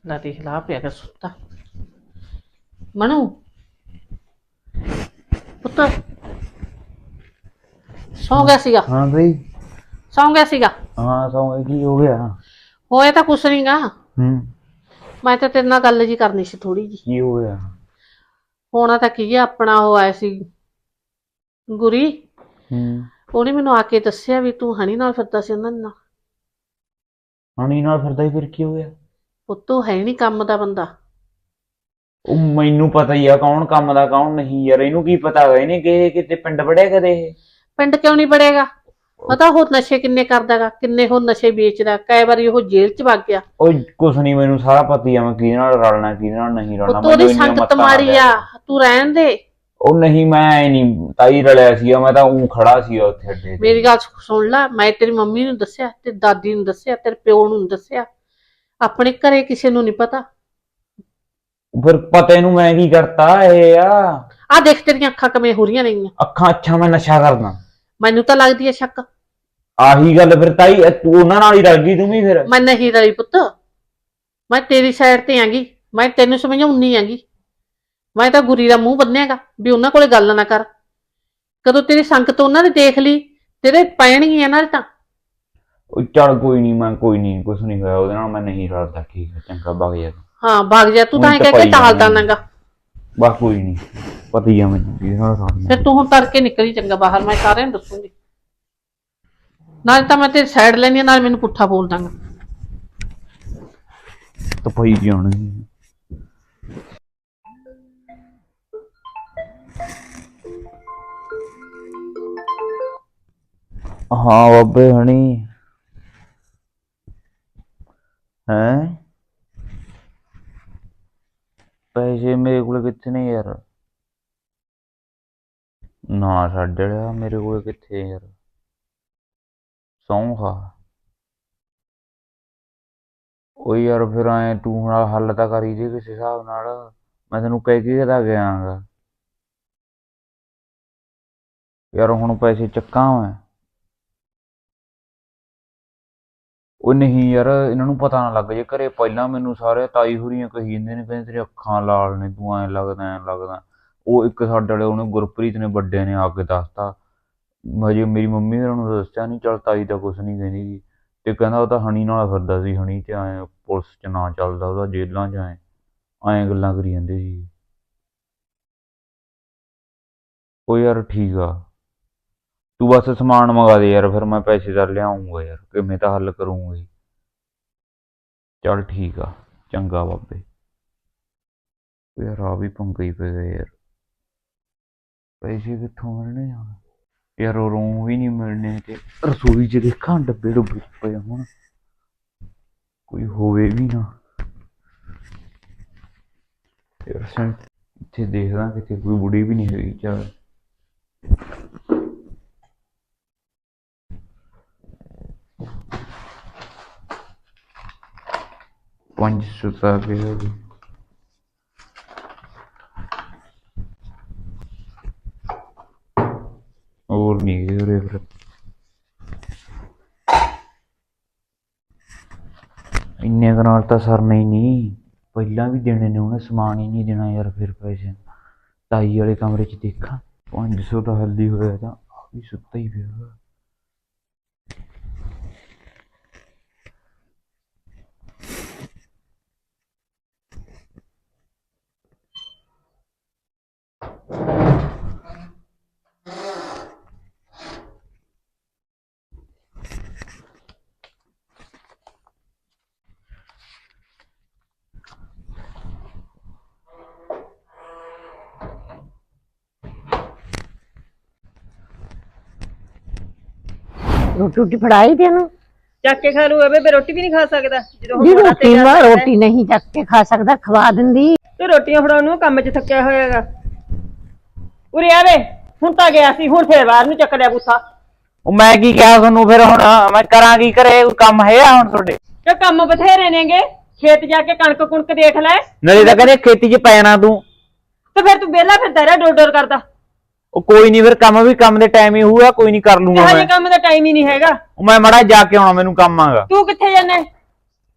ਲੈ ਦੇਖ ਲਾ ਪਿਆ ਕਰ ਸੁੱਤਾ। ਮਨੂ ਪੁੱਤ ਸੌਂ ਗਿਆ ਸੀਗਾ?
ਹਾਂ ਬਈ।
ਸੌਂ ਗਿਆ ਸੀਗਾ?
ਹਾਂ ਸੌਂ ਕੀ ਹੋ ਗਿਆ?
ਹੋਇਆ ਤਾਂ ਕੁਛ ਨਹੀਂਗਾ। ਮੈਂ ਤਾਂ ਤੇਰੇ ਨਾਲ ਗੱਲ ਜੀ ਕਰਨੀ ਸੀ ਥੋੜੀ ਜੀ।
ਕੀ ਹੋ ਗਿਆ?
ਹੋਣਾ ਤਾਂ ਕੀ ਆ, ਆਪਣਾ ਉਹ ਆਇਆ ਸੀ ਗੁਰੀ। ਉਹਨੇ ਮੈਨੂੰ ਆ ਕੇ ਦੱਸਿਆ ਵੀ ਤੂੰ ਹਣੀ ਨਾਲ ਫਿਰਦਾ ਸੀ ਉਹਨਾਂ ਨਾਲ।
ਹਣੀ ਨਾਲ ਫਿਰਦਾ ਹੀ ਫਿਰ ਕੀ ਹੋ ਗਿਆ?
ਪੁੱਤੂ ਹੈ ਨਹੀਂ ਕੰਮ ਦਾ ਬੰਦਾ।
ਉਹ ਮੈਨੂੰ ਪਤਾ ਹੀ ਆ ਕੌਣ ਕੰਮ ਦਾ ਕੌਣ ਨਹੀਂ ਯਾਰ। ਇਹਨੂੰ ਕੀ ਪਤਾ ਹੈਗਾ ਇਹਨੇ ਕਿਤੇ ਪਿੰਡ ਵੜਿਆ ਕਦੇ? ਇਹ
ਪਿੰਡ ਕਿਉਂ ਨਹੀਂ ਬੜੇਗਾ? ਪਤਾ ਉਹ ਨਸ਼ੇ ਕਿੰਨੇ ਕਰਦਾਗਾ, ਕਿੰਨੇ ਉਹ ਨਸ਼ੇ ਵੇਚਦਾ। ਕਈ ਵਾਰੀ ਉਹ ਜੇਲ੍ਹ ਚ ਵਗ ਗਿਆ।
ਉਹ ਕੁਛ ਨਹੀਂ, ਮੈਨੂੰ ਸਾਰਾ ਪਤਾ ਹੀ ਆ ਮੈਂ ਕਿਹਦੇ ਨਾਲ ਰਲਣਾ ਕਿਹਦੇ ਨਾਲ ਨਹੀਂ ਰਲਣਾ।
ਉਹਦੀ ਸੰਗਤ ਮਾਰੀ ਆ, ਤੂੰ ਰਹਿਣ ਦੇ।
ਉਹ ਨਹੀਂ, ਮੈਂ ਨਹੀਂ ਤਾਈ ਰਲਿਆ ਸੀਗਾ, ਮੈਂ ਤਾਂ ਉਹ ਖੜਾ ਸੀਗਾ ਉੱਥੇ ਅੱਡੇ ਤੇ।
ਮੇਰੀ ਗੱਲ ਸੁਣ ਲੈ, ਮੈਂ ਤੇਰੀ ਮੰਮੀ ਨੂੰ ਦੱਸਿਆ, ਤੇ ਦਾਦੀ ਨੂੰ ਦੱਸਿਆ, ਤੇਰੇ ਪਿਓ ਨੂੰ ਦੱਸਿਆ, ਆਪਣੇ ਘਰੇ ਕਿਸੇ ਨੂੰ ਨਹੀਂ ਪਤਾ।
ਫਿਰ ਪਤਾ ਇਹਨੂੰ ਮੈਂ ਕੀ ਕਰਤਾ? ਇਹ
ਆ ਦੇਖ ਤੇਰੀਆਂ ਅੱਖਾਂ ਕਿਵੇਂ ਹੋ ਰਹੀਆਂ ਨੇਗੀਆਂ।
ਅੱਖਾਂ ਅੱਛਾ ਮੈਂ ਨਸ਼ਾ ਕਰਦਾ?
ਮੈਨੂੰ ਤਾਂ ਲੱਗਦੀ ਹੈ ਸ਼ੱਕ।
ਆਹੀ ਗੱਲ ਫਿਰ ਤਾਈ, ਤੂੰ ਉਹਨਾਂ ਨਾਲ ਹੀ ਰਲ ਗਈ ਤੂੰ ਵੀ ਫਿਰ।
ਮੈਂ ਨਹੀਂ ਰਲੀ ਪੁੱਤ, ਮੈਂ ਤੇਰੀ ਸਾਈਡ ਤੇ ਆਂਗੀ। ਮੈਂ ਤੈਨੂੰ ਸਮਝਾਉਣੀ ਆਂਗੀ। ਮੈਂ ਤਾਂ ਗੁਰੀ ਦਾ ਮੂੰਹ ਬੰਨਿਆਗਾ ਵੀ ਉਹਨਾਂ ਕੋਲੇ ਗੱਲ ਨਾ ਕਰ। ਕਦੋਂ ਤੇਰੀ ਸੰਗਤ ਉਹਨਾਂ ਨੇ ਦੇਖ ਲਈ, ਤੇਰੇ ਪੈਣਗੀਆਂ ਨਾਲ ਤਾਂ।
ਉਹ ਚੱਲ ਕੋਈ ਨਹੀਂ, ਮੈਂ ਕੋਈ ਨਹੀਂ, ਕੁਛ ਨਹੀਂ ਹੋਇਆ ਉਹਦੇ ਨਾਲ, ਮੈਂ ਨਹੀਂ ਰਲਦਾ। ਠੀਕ ਹੈ, ਚੰਗਾ ਵਗ ਜਾ।
ਹਾਂ ਵਗ ਜਾ ਤੂੰ, ਤਾਂ ਕਹਿ ਕੇ ਟਾਲਦਾ ਨਾਗਾ।
ਬਸ ਕੋਈ ਨਹੀਂ, ਪਤਾ ਹੀ ਆ ਮੈਨੂੰ ਕਿਹਦੇ ਨਾਲ ਰਲਣਾ।
ਫਿਰ ਤੂੰ ਹੁਣ ਤੜਕੇ ਨਿਕਲੀ ਚੰਗਾ ਬਾਹਰ, ਮੈਂ ਸਾਰਿਆਂ ਨੂੰ ਦੱਸੂਗੀ। ਨਾਲ ਤਾਂ ਮੈਂ ਤੇਰੀ ਸਾਈਡ ਲੈਣੀ ਆ, ਨਾਲ ਮੈਨੂੰ ਪੁੱਠਾ ਬੋਲ ਦਾਂਗਾ।
ਤਾਂ ਪਈ ਜਾਣੀ। ਹਾਂ ਬਾਬੇ ਹਣੀ ਹੈ? ਪੈਸੇ ਮੇਰੇ ਕੋਲ ਕਿੱਥੇ ਨੇ ਯਾਰ? ਨਾ ਛੱਡ ਲਿਆ, ਮੇਰੇ ਕੋਲ ਕਿੱਥੇ ਯਾਰ? ਸੌਂ ਖਾ। ਉਹ ਯਾਰ ਫਿਰ ਐ ਤੂੰ ਹੁਣ ਹੱਲ ਤਾਂ ਕਰੀ ਜੇ ਕਿਸੇ ਹਿਸਾਬ ਨਾਲ। ਮੈਂ ਤੈਨੂੰ ਕਹਿ ਕੇ ਤਾਂ ਗਿਆਗਾ ਯਾਰ, ਹੁਣ ਪੈਸੇ ਚੱਕਾਂ ਮੈਂ। ਉਹ ਨਹੀਂ ਯਾਰ, ਇਹਨਾਂ ਨੂੰ ਪਤਾ ਨਾ ਲੱਗ ਜੇ ਘਰੇ। ਪਹਿਲਾਂ ਮੈਨੂੰ ਸਾਰੇ ਤਾਈ ਹੋਰੀਆਂ ਕਹੀ ਜਾਂਦੇ ਨੇ, ਕਹਿੰਦੇ ਤੇਰੀ ਅੱਖਾਂ ਲਾਲ ਨੇ, ਤੂੰ ਐਂ ਲੱਗਦਾ ਐਂ ਲੱਗਦਾ। ਉਹ ਇੱਕ ਸਾਡੇ ਵਾਲੇ ਉਹਨੇ ਗੁਰਪ੍ਰੀਤ ਨੇ ਵੱਡੇ ਨੇ ਆ ਕੇ ਦੱਸਤਾ। ਹਜੇ ਮੇਰੀ ਮੰਮੀ ਹੋਰਾਂ ਨੂੰ ਦੱਸਿਆ ਨਹੀਂ। ਚੱਲ ਤਾਈ ਤਾਂ ਕੁਛ ਨਹੀਂ ਕਹਿੰਦੀ ਗੀ, ਤੇ ਕਹਿੰਦਾ ਉਹ ਤਾਂ ਹਣੀ ਨਾਲ ਫਿਰਦਾ ਸੀ। ਹਣੀ ਤੇ ਐਂ ਪੁਲਿਸ 'ਚ ਨਾਂ ਚੱਲਦਾ ਉਹਦਾ, ਜੇਲ੍ਹਾਂ 'ਚ ਐਂ ਗੱਲਾਂ ਕਰੀ ਜਾਂਦੇ ਸੀ। ਉਹ ਯਾਰ ਠੀਕ ਆ, ਤੂੰ ਬਸ ਸਮਾਨ ਮੰਗਾ ਦੇ ਯਾਰ, ਫਿਰ ਮੈਂ ਪੈਸੇ ਤਾਂ ਲਿਆਉਂਗਾ ਯਾਰ, ਕਿਵੇਂ ਤਾਂ ਹੱਲ ਕਰੂੰਗਾ। ਚੱਲ ਠੀਕ ਆ, ਚੰਗਾ ਬਾਬੇ। ਯਾਰ ਆ ਵੀ ਪੰਗਾ ਹੀ ਪੈ ਗਿਆ ਯਾਰ, ਪੈਸੇ ਕਿੱਥੋਂ ਮਿਲਣੇ ਆ ਯਾਰ? ਉਹ ਰੂਮ ਵੀ ਨਹੀਂ ਮਿਲਣੇ, ਤੇ ਰਸੋਈ 'ਚ ਦੇਖਾਂ ਡੱਬੇ ਡੁੱਬੇ ਪਏ ਹੁਣ, ਕੋਈ ਹੋਵੇ ਵੀ ਨਾ ਯਾਰ। ਇੱਥੇ ਦੇਖਦਾ ਕਿਤੇ ਕੋਈ ਬੁੜੀ ਵੀ ਨਹੀਂ ਹੈਗੀ। ਚੱਲ ਪੰਜ ਸੁਤਾ ਪਿਆ ਜੀ। ਹੋਰ ਨਹੀਂ ਗਏ ਉਰੇ ਫਿਰ। ਇੰਨੇ ਕੁ ਨਾਲ ਤਾਂ ਸਰਨਾ ਹੀ ਨਹੀਂ। ਪਹਿਲਾਂ ਵੀ ਦੇਣੇ ਨੇ ਉਹਨੇ, ਸਮਾਨ ਹੀ ਨਹੀਂ ਦੇਣਾ ਯਾਰ। ਫਿਰ ਪੈਸੇ ਤਾਈ ਵਾਲੇ ਕਮਰੇ 'ਚ ਦੇਖਾਂ, 500 ਤਾਂ ਹੱਲੀ ਹੋਇਆ, ਤਾਂ ਆ ਵੀ ਸੁੱਤਾ ਹੀ ਪਿਆ।
ਰੋਟੀ ਫੜਾਈ ਤੈਨੂੰ?
ਚੱਕ ਕੇ ਖਾ ਲੂ ਬੇਬੇ, ਰੋਟੀ ਵੀ ਨਹੀਂ ਖਾ ਸਕਦਾ ਜਦੋਂ
ਜੀ ਰੋਟੀ ਨਾ, ਰੋਟੀ ਨਹੀਂ ਚੱਕ ਕੇ ਖਾ ਸਕਦਾ, ਖਵਾ ਦਿੰਦੀ।
ਤੇ ਰੋਟੀਆਂ ਫੜਾਉਣ ਨੂੰ ਕੰਮ 'ਚ ਥੱਕਿਆ ਹੋਇਆਗਾ। ਉਰੇ ਆਵੇ, ਹੁਣ ਤਾਂ ਗਿਆ ਸੀ, ਹੁਣ ਫੇਰ ਬਾਹਰ ਨੂੰ ਚੱਕ ਲਿਆ ਬੂਥਾ।
ਉਹ ਮੈਂ ਕੀ ਕਿਹਾ ਤੁਹਾਨੂੰ ਫਿਰ? ਹੁਣ ਮੈਂ ਕਰਾਂ ਕੀ? ਕਰੇ ਕੋਈ ਕੰਮ ਹੈ ਹੁਣ ਤੁਹਾਡੇ?
ਤੇ ਕੰਮ ਬਥੇਰੇ ਨੇਗੇ, ਖੇਤ ਜਾ ਕੇ ਕਣਕ ਕੁਣਕ ਦੇਖ ਲੈ।
ਨਾਲੇ ਤਾਂ ਕਹਿੰਦੇ ਖੇਤੀ 'ਚ ਪੈ ਜਾਣਾ ਤੂੰ,
ਤੇ ਫਿਰ ਤੂੰ ਵਿਹਲਾ ਫਿਰਦਾ ਰਿਹਾ ਡੋਰ ਡੋਰ ਕਰਦਾ।
ਉਹ ਕੋਈ ਨਹੀਂ, ਫਿਰ ਕੰਮ ਵੀ ਕੰਮ ਦੇ ਟਾਈਮ ਹੀ ਹੋਊਗਾ, ਕੋਈ ਨਹੀਂ ਕਰ ਲੂੰਗਾ
ਹਜੇ
ਮੈਂ।
ਕੰਮ ਦਾ ਟਾਈਮ ਹੀ ਨਹੀਂ ਹੈਗਾ।
ਮੈਂ ਮੜਾ ਜਾ ਕੇ ਆਉਣਾ, ਮੈਨੂੰ ਕੰਮ ਆਗਾ।
ਤੂੰ ਕਿੱਥੇ ਜਾਣਾ?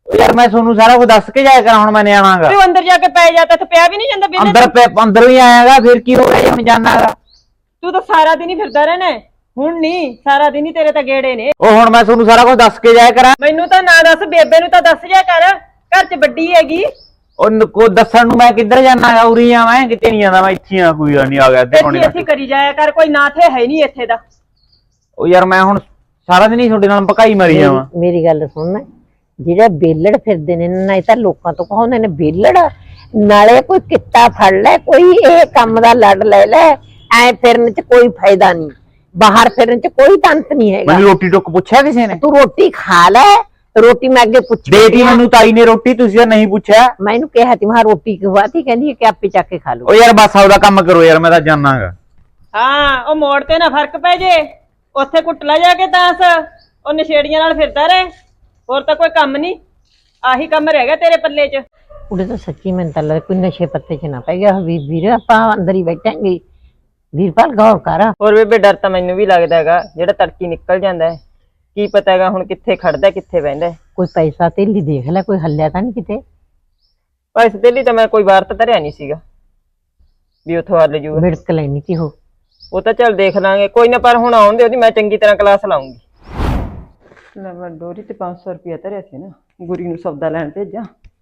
ਯਾਰ ਮੈਂ ਤੁਹਾਨੂੰ ਸਾਰਾ ਕੁਝ ਦੱਸ ਕੇ ਜਾਇਆ ਕਰਾਂ, ਹੁਣ ਮੈਂ ਨਿਆਣਾਗਾ।
ਤੂੰ ਅੰਦਰ ਜਾ ਕੇ ਪੈ ਜਾ, ਤੇ ਪਿਆ ਵੀ ਨਹੀਂ ਜਾਂਦਾ ਬਿੱਲੇ
ਅੰਦਰ ਹੀ ਆਇਆਗਾ, ਫਿਰ ਕੀ ਹੋ ਗਿਆ ਜੇ ਮੈਂ ਜਾਣਾਗਾ?
ਤੂੰ ਤਾਂ ਸਾਰਾ ਦਿਨ ਹੀ ਫਿਰਦਾ ਰਹਿਣਾ ਹੈ। ਹੁਣ ਨਹੀਂ, ਸਾਰਾ ਦਿਨ ਹੀ ਤੇਰੇ ਤਾਂ ਗੇੜੇ ਨੇ।
ਉਹ ਹੁਣ ਮੈਂ ਤੁਹਾਨੂੰ ਸਾਰਾ ਕੁਝ ਦੱਸ ਕੇ ਜਾਇਆ ਕਰਾਂ।
ਮੈਨੂੰ ਤਾਂ ਨਾ ਦੱਸ, ਬੇਬੇ ਨੂੰ ਤਾਂ ਦੱਸ ਜਾ ਕਰ, ਘਰ 'ਚ ਵੱਡੀ ਹੈਗੀ।
ਉਹ ਦੱਸਣ ਨੂੰ ਮੈਂ ਕਿੱਧਰ ਜਾਣਾਗਾ? ਉਰੀ ਆ, ਮੈਂ ਕਿਤੇ ਨਹੀਂ ਜਾਂਦਾ, ਮੈਂ ਇੱਥੇ ਆ। ਕੋਈ ਨਹੀਂ ਆ ਗਿਆ ਤੇ
ਇੱਥੇ ਕਰੀ ਜਾਇਆ ਕਰ, ਕੋਈ ਨਾ ਥੇ ਹੈ ਨਹੀਂ ਇੱਥੇ ਦਾ।
ਉਹ ਯਾਰ ਮੈਂ ਹੁਣ ਸਾਰਾ ਦਿਨ ਹੀ ਤੁਹਾਡੇ ਨਾਲ ਭਕਾਈ ਮਾਰੀ ਜਾਵਾਂ।
ਮੇਰੀ ਗੱਲ ਸੁਣ, ਜਿਹੜੇ ਬੇਲੜ ਫਿਰਦੇ ਨੇ ਨਾ, ਇਹ ਤਾਂ ਲੋਕਾਂ ਤੋਂ ਕਹਾਉਂਦੇ ਨੇ ਬੇਲੜ, ਨਾਲੇ ਕੋਈ ਕਿੱਤਾ ਫੜ ਲੈ, ਕੋਈ ਇਹ ਕੰਮ ਦਾ ਲੜ ਲੈ ਲੈ। ਐ ਫਿਰਨ ਚ ਕੋਈ ਫਾਇਦਾ ਨਹੀਂ, ਬਾਹਰ ਫਿਰਨ ਚ ਕੋਈ ਤੰਤ ਨਹੀਂ ਹੈਗਾ।
ਮੈਨੂੰ ਰੋਟੀ ਟੁੱਕ ਪੁੱਛਿਆ ਕਿਸੇ ਨੇ?
ਤੂੰ ਰੋਟੀ ਖਾ ਲੈ, ਰੋਟੀ ਮੈਂ ਅੱਗੇ ਪੁੱਛ
ਦੇਤੀ ਮੈਨੂੰ ਤਾਈ ਨੇ ਰੋਟੀ, ਤੁਸੀਂ ਤਾਂ ਨਹੀਂ ਪੁੱਛਿਆ।
ਮੈਂ ਇਹਨੂੰ ਕਿਹਾ ਤੀ, ਮੈਂ ਰੋਟੀ ਖਵਾਤੀ, ਕਹਿੰਦੀ ਕਿ ਆਪੇ ਚੱਕ ਕੇ ਖਾ ਲਓ।
ਉਹ ਯਾਰ ਬਸ ਆਪਦਾ ਕੰਮ ਕਰੋ ਯਾਰ, ਮੈਂ ਤਾਂ ਜਾਣਾਗਾ।
ਹਾਂ, ਉਹ ਮੋੜ ਤੇ ਨਾ ਫਰਕ ਪੈ ਜੇ, ਉੱਥੇ ਕੁੱਟ ਲੈ ਜਾ ਕੇ ਤਾਂਸ, ਉਹ ਨਸ਼ੇੜੀਆਂ ਨਾਲ ਫਿਰਦਾ ਰਹੇ, ਹੋਰ ਤਾਂ ਕੋਈ ਕੰਮ ਨਹੀਂ। ਆਹੀ ਕੰਮ ਰਹਿ ਗਿਆ ਤੇਰੇ ਪੱਲੇ 'ਚ।
ਉਹਦੇ ਤਾਂ ਸੱਚੀ ਮੈਨੂੰ ਤਾਂ ਲੱਗਦਾ ਕੋਈ ਨਸ਼ੇ ਪੱਤੇ 'ਚ ਨਾ ਪੈ ਗਿਆ। ਵੀਰ ਆਪਾਂ ਅੰਦਰ ਹੀ ਬੈਠਾਂਗੇ। ਵੀਰਪਾਲ ਗੌਰ ਕਰ।
ਹੋਰ ਬੇਬੇ, ਡਰ ਤਾਂ ਮੈਨੂੰ ਵੀ ਲੱਗਦਾ ਹੈਗਾ, ਜਿਹੜਾ ਤੜਕੀ ਨਿਕਲ ਜਾਂਦਾ ਹੈ, ਕੀ ਪਤਾ ਹੈਗਾ ਹੁਣ ਕਿੱਥੇ ਖੜਦਾ ਕਿੱਥੇ ਬਹਿੰਦਾ।
ਕੋਈ ਪੈਸਾ ਤੇਲੀ ਦੇਖ ਲੈ, ਕੋਈ ਹੱਲਿਆ ਤਾਂ ਨਹੀਂ ਕਿਤੇ?
ਪੈਸੇ ਦੇ ਲਈ ਤਾਂ ਮੈਂ ਕੋਈ ਵਾਰ ਤਾਂ ਧਰਿਆ ਨਹੀਂ ਸੀਗਾ ਵੀ ਉੱਥੋਂ ਹੱਲ ਜੂਗਾ।
ਵਿੜਕ ਲੈਣੀ ਸੀ
ਉਹ ਤਾਂ ਚੱਲ ਦੇਖ ਲਾਂਗੇ, ਕੋਈ ਨਾ। ਪਰ ਹੁਣ ਆਉਣ ਦੇ, ਉਹਦੀ ਮੈਂ ਚੰਗੀ ਤਰ੍ਹਾਂ ਕਲਾਸ ਲਾਉਂਗੀ। ਲੈ ਮੈਂ ਡੋਰੀ ਤੇ 500 ਰੁਪਇਆ ਧਰਿਆ ਸੀ ਨਾ, ਗੁਰੀ ਨੂੰ ਸੌਦਾ ਲੈਣ ਭੇਜਾਂ।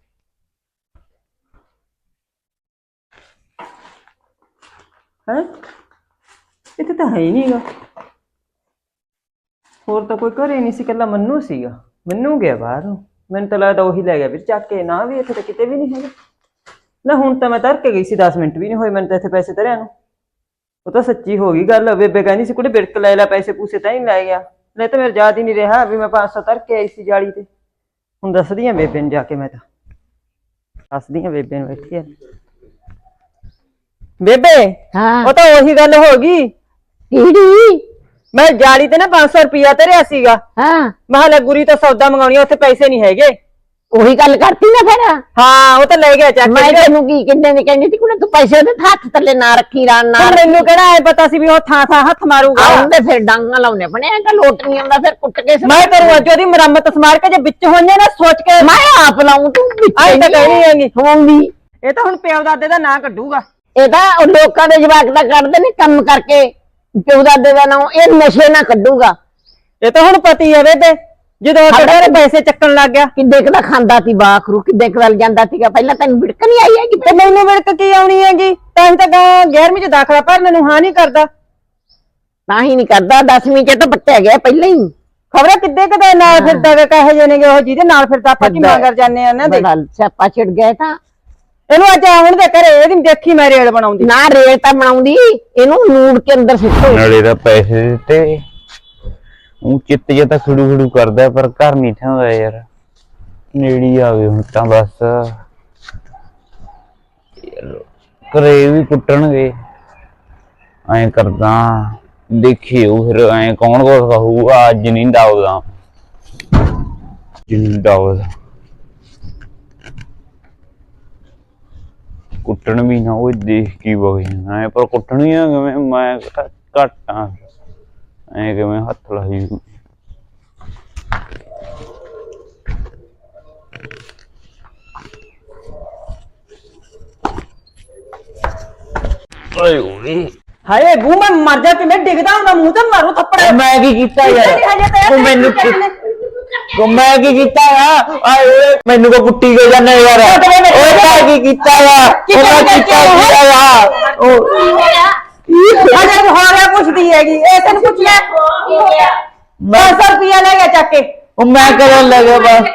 ਹੈ ਇੱਥੇ ਤਾਂ ਹੈ ਹੀ ਨਹੀਂਗਾ, ਹੋਰ ਤਾਂ ਕੋਈ ਘਰੇ ਨਹੀਂ ਸੀ, ਇਕੱਲਾ ਮੰਨੂ ਸੀਗਾ। ਮੰਨੂ ਗਿਆ ਬਾਹਰ, ਮੈਨੂੰ ਤਾਂ ਲੱਗਦਾ ਉਹੀ ਲੈ ਗਿਆ ਵੀਰ ਚੱਕ ਕੇ। ਨਾ ਵੀ ਇੱਥੇ ਤਾਂ ਕਿਤੇ ਵੀ ਨਹੀਂ ਹੈਗਾ ਨਾ। ਹੁਣ ਤਾਂ ਮੈਂ ਧਰ ਕੇ ਗਈ ਸੀ, 10 ਮਿੰਟ ਵੀ ਨਹੀਂ ਹੋਏ ਮੈਨੂੰ ਤਾਂ ਇੱਥੇ ਪੈਸੇ ਧਰਿਆ ਨੂੰ। ਉਹ ਤਾਂ ਸੱਚੀ ਹੋ ਗਈ ਗੱਲ। ਬੇਬੇ ਕਹਿੰਦੀ ਸੀ ਕੁੜੇ ਬਿੜਕ ਲੈ ਲੈ, ਪੈਸੇ ਪੂਸੇ ਤਾਂ ਹੀ ਲੈ ਗਿਆ। ਨਹੀਂ ਤਾਂ ਮੇਰੇ ਯਾਦ ਹੀ ਨਹੀਂ ਰਿਹਾ ਵੀ ਮੈਂ 500 ਧਰ ਕੇ ਆਈ ਸੀ ਜਾਲੀ ਤੇ। ਹੁਣ ਦੱਸਦੀ ਆ ਬੇਬੇ ਨੂੰ ਜਾ ਕੇ, ਮੈਂ ਤਾਂ ਦੱਸਦੀ ਆ ਬੇਬੇ ਨੂੰ ਬੈਠੀ ਆ। ਬੇਬੇ,
ਹਾਂ।
ਉਹ ਤਾਂ ਉਹੀ ਗੱਲ ਹੋ ਗਈ।
ਕਿਹੜੀ?
ਮੈਂ ਜਾਲੀ ਤੇ ਨਾ 500 ਰੁਪਇਆ ਧਰਿਆ ਸੀਗਾ।
ਹਾਂ,
ਮੈਂ ਲੈ ਗੁਰੀ ਤੋਂ ਸੌਦਾ ਮੰਗਾਉਣੀ, ਉੱਥੇ ਪੈਸੇ ਨਹੀਂ ਹੈਗੇ।
ਉਹੀ ਗੱਲ ਕਰਤੀ ਨਾ ਫਿਰ।
ਹਾਂ, ਉਹ ਤਾਂ ਲੈ ਗਿਆ ਚੱਕ
ਮੈਂ
ਕੇ।
ਤੈਨੂੰ ਕੀ ਕਿੰਨੇ ਨੇ ਕਹਿੰਦੀ ਸੀ ਕੁੜੇ ਤੂੰ ਪੈਸੇ ਉਹਦੇ ਹੱਥ ਥੱਲੇ ਨਾ ਰੱਖੀ, ਰਾਂ ਨਾ
ਮੈਨੂੰ ਕਿਹੜਾ ਐ ਪਤਾ ਸੀ ਵੀ ਉਹ ਥਾਂ ਥਾਂ ਹੱਥ ਮਾਰੂਗਾ।
ਆਉਂਦੇ ਫਿਰ ਡਾਂਗਾ ਲਾਉਣੇ ਬਣਿਆ ਤਾਂ ਲੋਟ ਨਹੀਂ ਆਉਂਦਾ, ਫਿਰ ਕੁੱਟ ਕੇ
ਮੈਂ ਕਰੂੰ ਅੱਜ ਉਹਦੀ ਮੁਰੰਮਤ ਸਮਾਰ ਕੇ, ਜੇ ਵਿੱਚ ਹੋਈਆਂ ਨਾ ਸੋਚ ਕੇ।
ਮੈਂ ਆਪ ਲਾਉਂ, ਤੂੰ
ਆਈ ਤਾਂ ਕਹਿਣੀ ਹੈਗੀ
ਹੋਊਂਗੀ।
ਇਹ ਤਾਂ ਹੁਣ ਪਿਓ ਦਾਦੇ ਦਾ ਨਾਂ ਕੱਢੂਗਾ।
ਇਹ ਤਾਂ ਉਹ ਲੋਕਾਂ ਦੇ ਜਵਾਕ ਦਾ ਕੱਢਦੇ ਨੇ ਕੰਮ ਕਰਕੇ, ਪਿਓ ਦਾਦੇ ਦਾ ਨਾਂ ਇਹ ਨਸ਼ੇ ਨਾ ਕੱਢੂਗਾ।
ਇਹ ਤਾਂ ਹੁਣ ਪਤੀ ਹੈ ਬੇਬੇ, ਜਦੋਂ ਤੇਰੇ ਪੈਸੇ ਚੱਕਣ ਲੱਗ ਗਿਆ।
ਕਿੱਡੇ ਕੁ ਦਾ ਖਾਂਦਾ ਸੀ ਬਾਖਰੂ, ਕਿੱਡੇ ਕੁ ਵੱਲ ਜਾਂਦਾ ਸੀਗਾ। ਪਹਿਲਾਂ ਤੈਨੂੰ ਵਿੜਕ ਨਹੀਂ ਆਈ ਹੈਗੀ?
ਤੇ ਮੈਨੂੰ ਵਿੜਕ ਕੀ ਆਉਣੀ ਹੈਗੀ? ਤਾਂ ਹੀ ਤਾਂ 11ਵੀਂ ਚ ਦਾਖਲਾ ਭਰਨ ਨੂੰ ਹਾਂ ਨਹੀਂ ਕਰਦਾ।
ਤਾਂ ਹੀ ਨਹੀਂ ਕਰਦਾ, 10ਵੀਂ ਚ ਤਾਂ ਪੱਟਿਆ ਗਿਆ ਪਹਿਲਾਂ ਹੀ।
ਖਬਰਾਂ ਕਿੱਦੇ ਕਦੇ ਨਾਲ ਫਿਰਦਾ ਵੇ, ਕਹੇ ਜੇ ਨੇਗੇ ਉਹ ਜਿਹਦੇ ਨਾਲ ਫਿਰਦਾ। ਆਪਾਂ ਕੀ ਮੰਗਰ ਜਾਂਦੇ ਆ ਨਾ ਦੇ।
ਸਿਆਪਾ ਛਿੜ ਗਿਆ ਤਾਂ
ਇਹਨੂੰ ਅੱਜ ਆਉਣ ਦੇ ਘਰੇ, ਇਹਦੀ ਦੇਖੀ ਮੈਂ ਰੇਲ ਬਣਾਉਂਦੀ।
ਨਾ ਰੇਲ ਤਾਂ ਬਣਾਉਂਦੀ, ਇਹਨੂੰ ਨੂੜ ਕੇ ਅੰਦਰ ਸਿੱਟੋ।
ਨਾਲੇ ਦਾ ਪੈਸੇ ਦਿੱਤੇ, ਉਹ ਚਿੱਤ ਜਿਹਾ ਤਾਂ ਖੜੂ ਖੜੂ ਕਰਦਾ, ਪਰ ਘਰ ਨਹੀਂ ਥਾਂਦਾ ਯਾਰ। ਨੇੜੀ ਆਵੇ ਹੁਣ ਤਾਂ ਬਸ। ਘਰੇ ਵੀ ਕੁੱਟਣਗੇ, ਐਂ ਕਰਦਾ ਦੇਖਿਓ ਫਿਰ। ਐਂ ਕੌਣ ਕੁਛ ਕਹੂਗਾ? ਅੱਜ ਨਹੀਂ ਡਾਉਦਾ, ਜਿੰਨੀ ਡਾਉਦਾ ਕੁੱਟਣ ਵੀ ਨਾ, ਉਹ ਦੇਖ ਕੀ ਵਗ ਜਾਣਾ। ਪਰ ਕੁੱਟਣੀ ਆ ਕਿਵੇਂ? ਮੈਂ ਘੱਟ ਆ, ਐ ਕਿਵੇਂ ਹੱਥ ਲਾਈ। ਓਏ ਓਏ
ਹਾਏ ਬੂ, ਮੈਂ ਮਰ ਜਾ, ਕਿਵੇਂ ਡਿੱਗਦਾ ਹੁੰਦਾ, ਮੂੰਹ ਤੇ ਮਾਰੂ ਥੱਪੜ।
ਮੈਂ ਕੀ ਕੀਤਾ ਯਾਰ? ਤੂੰ ਮੈਨੂੰ ਮੈਂ ਕੀ ਕੀਤਾ ਆ? ਆਏ ਮੈਨੂੰ ਕੋ ਕੁੱਟੀ ਕੇ ਜਾਂਦਾ ਯਾਰ। ਓਏ ਮੈਂ ਕੀ ਕੀਤਾ ਆ? ਉਹ ਮੈਂ ਕੀਤਾ ਆ। ਉਹ
ਅਜੇ ਤੂੰ ਹੋ ਰਿਹਾ ਪੁੱਛਦੀ ਹੈਗੀ, ਇਹ ਤੈਨੂੰ ਪੁੱਛ ਲੈ। 500 ਰੁਪਇਆ ਲੈ ਗਿਆ ਚੱਕ ਕੇ।
ਉਹ ਮੈਂ ਕਰਨ ਲੱਗਾ ਬਸ।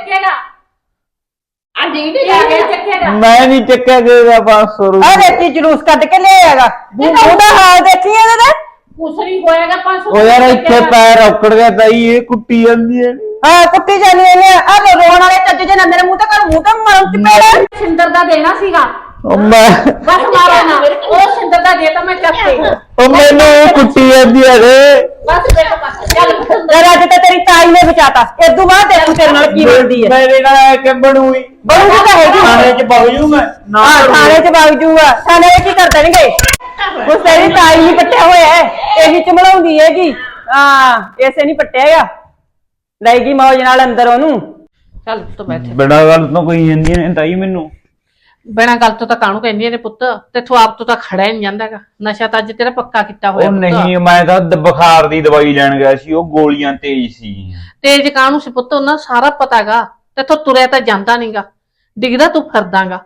ਮੈਂ ਨਹੀਂ ਚੱਕਿਆ ਗਿਆ 500 ਰੁਪਏ।
ਆ ਦੇਖੀ ਜਲੂਸ ਕੱਢ ਕੇ ਲਿਆਏਗਾ। ਉਹਦਾ ਹਾਲ ਦੇਖੀ ਇਹਦੇ ਦਾ।
ਕੁਸਰੀ ਹੋਏਗਾ 500।
ਉਹ ਯਾਰ ਇੱਥੇ ਪੈਰ ਔਕੜ ਗਿਆ ਤਾਈ, ਇਹ ਕੁੱਟੀ ਜਾਂਦੀ ਹੈ।
ਹਾਂ, ਕੁੱਟੀ ਜਾਨੀ ਇਹਨੇ। ਆ ਰੋਣ ਵਾਲੇ ਚੱਜ ਜੇ ਨਾ ਮੇਰੇ ਮੂੰਹ ਤੇ ਕਰ, ਮੂੰਹ ਤੇ ਮਾਰੂ ਚਪੇੜ।
ਸਿੰਦਰ ਦਾ ਦੇਣਾ ਸੀਗਾ,
ਉਹ ਮੈਂ
ਬਸ ਮਾਰੋ ਨਾ। ਉਹ ਸਿੰਦਰ ਦਾ ਦੇ ਤਾਂ ਮੈਂ ਚੱਕ ਕੇ।
ਉਹ ਮੈਨੂੰ ਇਹ ਕੁੱਟੀ ਜਾਂਦੀ ਹੈ ਰੇ।
ਬਸ ਬੇਟਾ ਬਸ ਚੱਲ
ਯਾਰ ਅੱਜ ਤੇ ਤੇਰੀ ਤਾਈ ਨੇ ਬਚਾਤਾ। ਇਦੋਂ ਬਾਅਦ ਦੇਖੂ ਤੇਰੇ ਨਾਲ ਕੀ ਬਣਦੀ ਹੈ।
ਮੇਰੇ ਨਾਲ ਕਿ ਬਣੂਈ
ਬਣੂਗੀ ਤਾਂ ਹੈਗੀ।
ਥਾਣੇ ਚ ਵਗ ਜੂ ਮੈਂ।
ਹਾਂ, ਥਾਣੇ ਚ ਵਗ ਜੂਗਾ। ਥਾਣੇ ਕੀ ਕਰ ਦੇਣਗੇ? ਉਹ ਤੇਰੀ ਤਾਈ ਨਹੀਂ ਪੱਟਿਆ ਹੋਇਆ ਹੈ, ਇਹੀ ਚਮਲਾਉਂਦੀ ਹੈਗੀ। ਹਾਂ, ਇਸੇ ਨਹੀਂ ਪੱਟਿਆ ਹੈਗਾ। ਲੈ ਗਈ ਮੌਜ ਨਾਲ ਅੰਦਰ ਉਹਨੂੰ।
ਚੱਲ ਪੁੱਤ ਬੈਠ।
ਬੜਾ ਗੱਲ ਤੋਂ ਕੋਈ ਜਾਂਦੀਆਂ ਨੇ ਤਾਈ ਮੈਨੂੰ।
ਬਿਨਾਂ ਗੱਲ ਤੋਂ ਤਾਂ ਕਾਹਨੂੰ ਕਹਿੰਦੀਆਂ ਨੇ ਪੁੱਤ, ਤੇਥੋਂ ਆਪ ਤੋਂ ਤਾਂ ਖੜਾ ਹੀ ਨਹੀਂ ਜਾਂਦਾਗਾ। ਨਸ਼ਾ ਤਾਂ ਅੱਜ ਤੇਰਾ ਪੱਕਾ ਕੀਤਾ ਹੋਇਆ
ਉਹ
ਪੁੱਤ।
ਨਹੀਂ, ਮੈਂ ਤਾਂ ਬੁਖਾਰ ਦੀ ਦਵਾਈ ਲੈਣ ਗਿਆ ਸੀ, ਉਹ ਗੋਲੀਆਂ ਤੇਜ਼ ਸੀ।
ਤੇਜ ਕਾਹਨੂੰ ਸੀ ਪੁੱਤ, ਉਹਨਾਂ ਨੂੰ ਸਾਰਾ ਪਤਾਗਾ। ਤੇਥੋਂ ਤੁਰਿਆ ਤਾਂ ਜਾਂਦਾ ਨਹੀਂਗਾ, ਡਿੱਗਦਾ ਤੂੰ ਫਿਰਦਾਗਾ।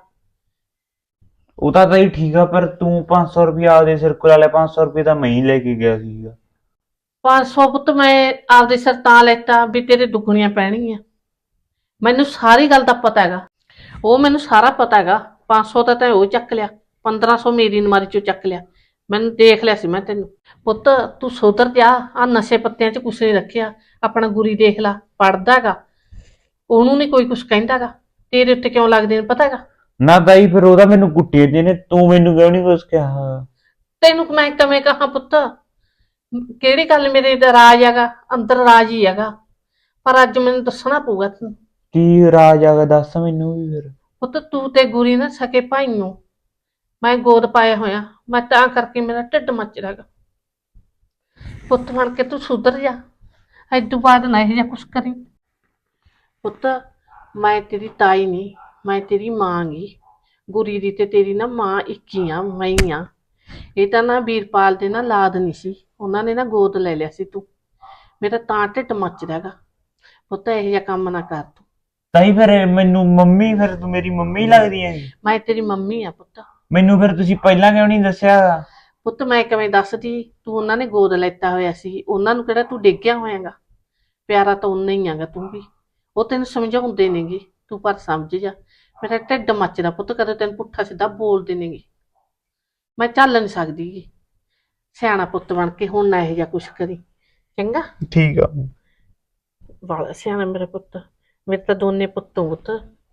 ਉਹ ਤਾਂ ਤਾਈ ਠੀਕ ਆ, ਪਰ ਤੂੰ 500 ਰੁਪਇਆ ਆਪਦੇ ਸਿਰ ਕੋਲ ਵਾਲੇ 500 ਰੁਪਏ ਤਾਂ ਮੈਂ ਹੀ ਲੈ ਕੇ ਗਿਆ ਸੀਗਾ।
500 ਪੁੱਤ ਮੈਂ ਆਪਦੇ ਸਿਰ ਤਾਂ ਲੈਤਾ ਵੀ ਤੇਰੇ ਦੁੱਗਣੀਆਂ ਪੈਣਗੀਆਂ। ਮੈਨੂੰ ਸਾਰੀ ਗੱਲ ਦਾ ਪਤਾ ਹੈਗਾ, ਉਹ ਮੈਨੂੰ ਸਾਰਾ ਪਤਾ ਹੈਗਾ। 500 ਤਾਂ ਤੈਂ ਉਹ ਚੱਕ ਲਿਆ, 1500 ਮੇਰੀ ਨਮਾਰੀ ਚੋਂ ਚੱਕ ਲਿਆ। ਮੈਨੂੰ ਦੇਖ ਲਿਆ ਸੀ ਮੈਂ ਤੈਨੂੰ। ਪੁੱਤ ਤੂੰ ਸੁਧਰ ਜਾ, ਆ ਨਸ਼ੇ ਪੱਤਿਆਂ 'ਚ ਕੁਛ ਨਹੀਂ ਰੱਖਿਆ। ਆਪਣਾ ਗੁਰੀ ਦੇਖ ਲਾ, ਪੜਦਾ ਹੈਗਾ, ਉਹਨੂੰ ਨਹੀਂ ਕੋਈ ਕੁਛ ਕਹਿੰਦਾਗਾ। ਤੇਰੇ ਉੱਤੇ ਕਿਉਂ ਲੱਗਦੇ ਨੇ ਪਤਾ ਹੈਗਾ?
ਨਾ ਤਾਈ ਫਿਰ ਉਹਦਾ ਮੈਨੂੰ ਕੁੱਟੇ ਦੇ ਨੇ, ਤੂੰ ਮੈਨੂੰ ਕਿਉਂ ਨਹੀਂ ਕੁਛ ਕਿਹਾ?
ਤੈਨੂੰ ਮੈਂ ਕਿਵੇਂ ਕਹਾਂ ਪੁੱਤ, ਕਿਹੜੀ ਗੱਲ ਮੇਰੇ ਦਾ ਰਾਜ ਹੈਗਾ, ਅੰਦਰ ਰਾਜ ਹੀ ਹੈਗਾ। ਪਰ ਅੱਜ ਮੈਨੂੰ ਦੱਸਣਾ ਪਊਗਾ ਤੈਨੂੰ।
ਕੀ ਰਾਜ ਆਗਾ, ਦੱਸ ਮੈਨੂੰ ਵੀ ਫਿਰ।
ਪੁੱਤ ਤੂੰ ਤੇ ਗੁਰੀ ਨਾ ਸਕੇ ਭਾਈਓ, ਮੈਂ ਗੋਦ ਪਾਇਆ ਹੋਇਆ, ਮੈਂ ਤਾਂ ਕਰਕੇ ਮੇਰਾ ਢਿੱਡ ਮੱਚਦਾ ਹੈਗਾ। ਪੁੱਤ ਬਣ ਕੇ ਤੂੰ ਸੁਧਰ ਜਾ, ਐਦੂ ਬਾਅਦ ਨਾ ਇਹ ਜਿਹਾ ਕੁਛ ਕਰੀ। ਪੁੱਤ ਮੈਂ ਤੇਰੀ ਤਾਈ ਨਹੀਂ, ਮੈਂ ਤੇਰੀ ਮਾਂ ਗੀ। ਗੁਰੀ ਦੀ ਤੇ ਤੇਰੀ ਨਾ ਮਾਂ ਇੱਕ ਹੀ ਆ, ਮੈਂ ਹੀ ਆ। ਇਹ ਤਾਂ ਨਾ ਵੀਰਪਾਲ ਦੇ ਨਾ ਲਾਦ ਨਹੀਂ ਸੀ, ਉਹਨਾਂ ਨੇ ਨਾ ਗੋਦ ਲੈ ਲਿਆ ਸੀ ਤੂੰ। ਮੇਰਾ ਤਾਂ ਢਿੱਡ ਮੱਚਦਾ ਹੈਗਾ। ਪੁੱਤ ਇਹੋ ਜਿਹਾ ਕੰਮ ਨਾ ਕਰ ਤੂੰ।
ਤਾਈ ਫਿਰ ਮੈਨੂੰ ਮੰਮੀ, ਫਿਰ ਤੂੰ ਮੇਰੀ ਮੰਮੀ ਲੱਗਦੀ ਹੈ?
ਮੈਂ ਤੇਰੀ ਮੰਮੀ ਆ ਪੁੱਤ।
ਮੈਨੂੰ ਫਿਰ ਤੁਸੀਂ ਪਹਿਲਾਂ ਕਿਉਂ ਨਹੀਂ ਦੱਸਿਆ?
ਪੁੱਤ ਮੈਂ ਕਿਵੇਂ ਦੱਸਦੀ, ਤੂੰ ਉਹਨਾਂ ਨੇ ਗੋਦ ਲੈਤਾ ਹੋਇਆ ਸੀ, ਉਹਨਾਂ ਨੂੰ ਕਿਹੜਾ ਤੂੰ ਡਿੱਗਿਆ ਹੋਇਆਗਾ। ਪਿਆਰਾ ਤਾਂ ਉਨਾ ਹੀ ਆਗਾ ਤੂੰ ਵੀ। ਉਹ ਤੈਨੂੰ ਸਮਝਾਉਂਦੇ ਨੇਗੇ, ਤੂੰ ਪਰ ਸਮਝ ਜਾ। ਮੇਰਾ ਢਿੱਡ ਮੱਚਦਾ ਪੁੱਤ, ਕਦੇ ਤੈਨੂੰ ਪੁੱਠਾ ਸਿੱਧਾ ਬੋਲਦੇ ਨੇਗੇ, ਮੈਂ ਚੱਲ ਨਹੀਂ ਸਕਦੀ ਗੀ। ਸਿਆਣਾ ਪੁੱਤ ਬਣ ਕੇ ਹੁਣ ਨਾ ਇਹੋ ਜਿਹਾ ਕੁਛ ਕਰੀ, ਚੰਗਾ?
ਠੀਕ ਆ।
ਵਾਲਾ ਸਿਆਣਾ ਮੇਰਾ ਪੁੱਤ। ਮੇਰੇ ਤਾਂ ਦੋਨੇ ਪੁੱਤੋਂ ਪੁੱਤ,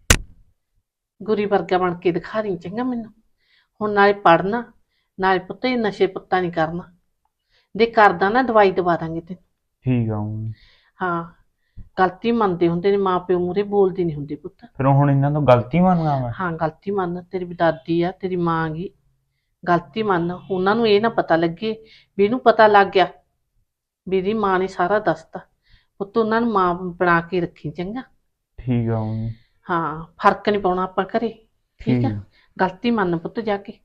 ਗੁਰੀ ਵਰਗਾ ਬਣ ਕੇ ਦਿਖਾ ਰਹੀ, ਚੰਗਾ ਮੈਨੂੰ? ਹੁਣ ਨਾਲੇ ਪੜ੍ਹਨਾ, ਨਾਲੇ ਪੁੱਤ ਇਹ ਨਸ਼ੇ ਪੱਤਾ ਨਹੀਂ ਕਰਨਾ। ਦੇ ਕਰਦਾ ਨਾ ਦਵਾਈ ਦਵਾ ਦਾਂਗੇ ਤੈਨੂੰ।
ਠੀਕ ਆ।
ਹਾਂ, ਗਲਤੀ ਮੰਨਦੇ ਹੁੰਦੇ ਨੇ ਮਾਂ ਪਿਓ ਮੂਹਰੇ, ਬੋਲਦੀ ਨਹੀਂ ਹੁੰਦੀ ਪੁੱਤ।
ਫਿਰ ਹੁਣ ਇਹਨਾਂ ਤੋਂ ਗਲਤੀ ਮੰਨਗਾ ਮੈਂ?
ਹਾਂ ਗਲਤੀ ਮੰਨ, ਤੇਰੀ ਵੀ ਦਾਦੀ ਆ, ਤੇਰੀ ਮਾਂ ਗੀ, ਗਲਤੀ ਮੰਨ। ਉਹਨਾਂ ਨੂੰ ਇਹ ਨਾ ਪਤਾ ਲੱਗੇ ਵੀ ਇਹਨੂੰ ਪਤਾ ਲੱਗ ਗਿਆ ਵੀ ਇਹਦੀ ਮਾਂ ਨੇ ਸਾਰਾ ਦੱਸਤਾ। ਪੁੱਤ ਉਹਨਾਂ ਨੂੰ ਮਾਂ ਬਣਾ ਕੇ ਰੱਖੀ, ਚੰਗਾ?
ਠੀਕ ਆ।
ਹਾਂ, ਫਰਕ ਨਹੀਂ ਪਾਉਣਾ ਆਪਾਂ ਘਰੇ, ਠੀਕ ਆ? ਗਲਤੀ ਮੰਨ ਪੁੱਤ ਜਾ ਕੇ।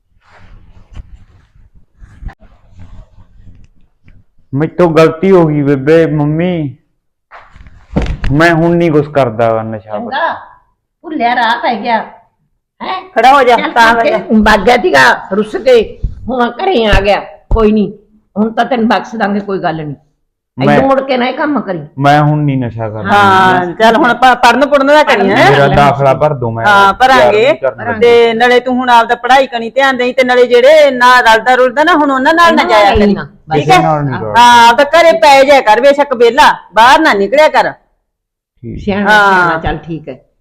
ਮੇਰੇ ਤੋਂ ਗਲਤੀ ਹੋ ਗਈ ਬੇਬੇ। ਮੰਮੀ ਮੈਂ ਹੁਣ ਨਹੀਂ ਕੁਛ ਕਰਦਾ ਨਸ਼ਾ।
ਚੰਗਾ ਭੁੱਲਿਆ ਰਾਹ ਪੈ ਗਿਆ ਹੈ।
ਖੜਾ ਹੋ ਜਾ, ਤਾਂ
ਵਗ ਗਿਆ ਸੀਗਾ ਰੁੱਸ ਕੇ, ਹੁਣ ਘਰੇ ਆ ਗਿਆ। ਕੋਈ ਨਹੀਂ, ਹੁਣ ਤਾਂ ਤੈਨੂੰ ਬਖਸ਼ ਦਾਂਗੇ, ਕੋਈ ਗੱਲ ਨਹੀਂ। ਐਨੂੰ ਮੁੜ ਕੇ ਨਾ ਇਹ ਕੰਮ ਕਰੀ।
ਮੈਂ ਹੁਣ ਨਹੀਂ ਨਸ਼ਾ ਕਰਦਾ।
ਹਾਂ ਚੱਲ ਹੁਣ ਪੜਨ ਪੁੜਨ ਦਾ ਕਰੀ ਹੈ।
ਮੇਰਾ ਦਾਖਲਾ ਭਰ ਦੋ, ਮੈਂ
ਹਾਂ ਭਰਾਂਗੇ। ਤੇ ਨਾਲੇ ਤੂੰ ਹੁਣ ਆਪਦਾ ਪੜ੍ਹਾਈ ਕਣੀ ਧਿਆਨ ਦੇਈ, ਤੇ ਨਾਲੇ ਜਿਹੜੇ ਨਾ ਰਲਦਾ ਰੁਲਦਾ ਨਾ ਹੁਣ ਉਹਨਾਂ ਨਾਲ ਨਾ ਜਾਇਆ ਕਰੀ, ਠੀਕ ਹੈ? ਹਾਂ ਆਪਦਾ ਘਰੇ ਪੈ ਜਾਇਆ ਕਰ, ਬੇਸ਼ੱਕ ਵਿਹਲਾ ਬਾਹਰ ਨਾ ਨਿਕਲਿਆ ਕਰ।
ਸਿਆਣਾ ਚੱਲ ਠੀਕ ਹੈ।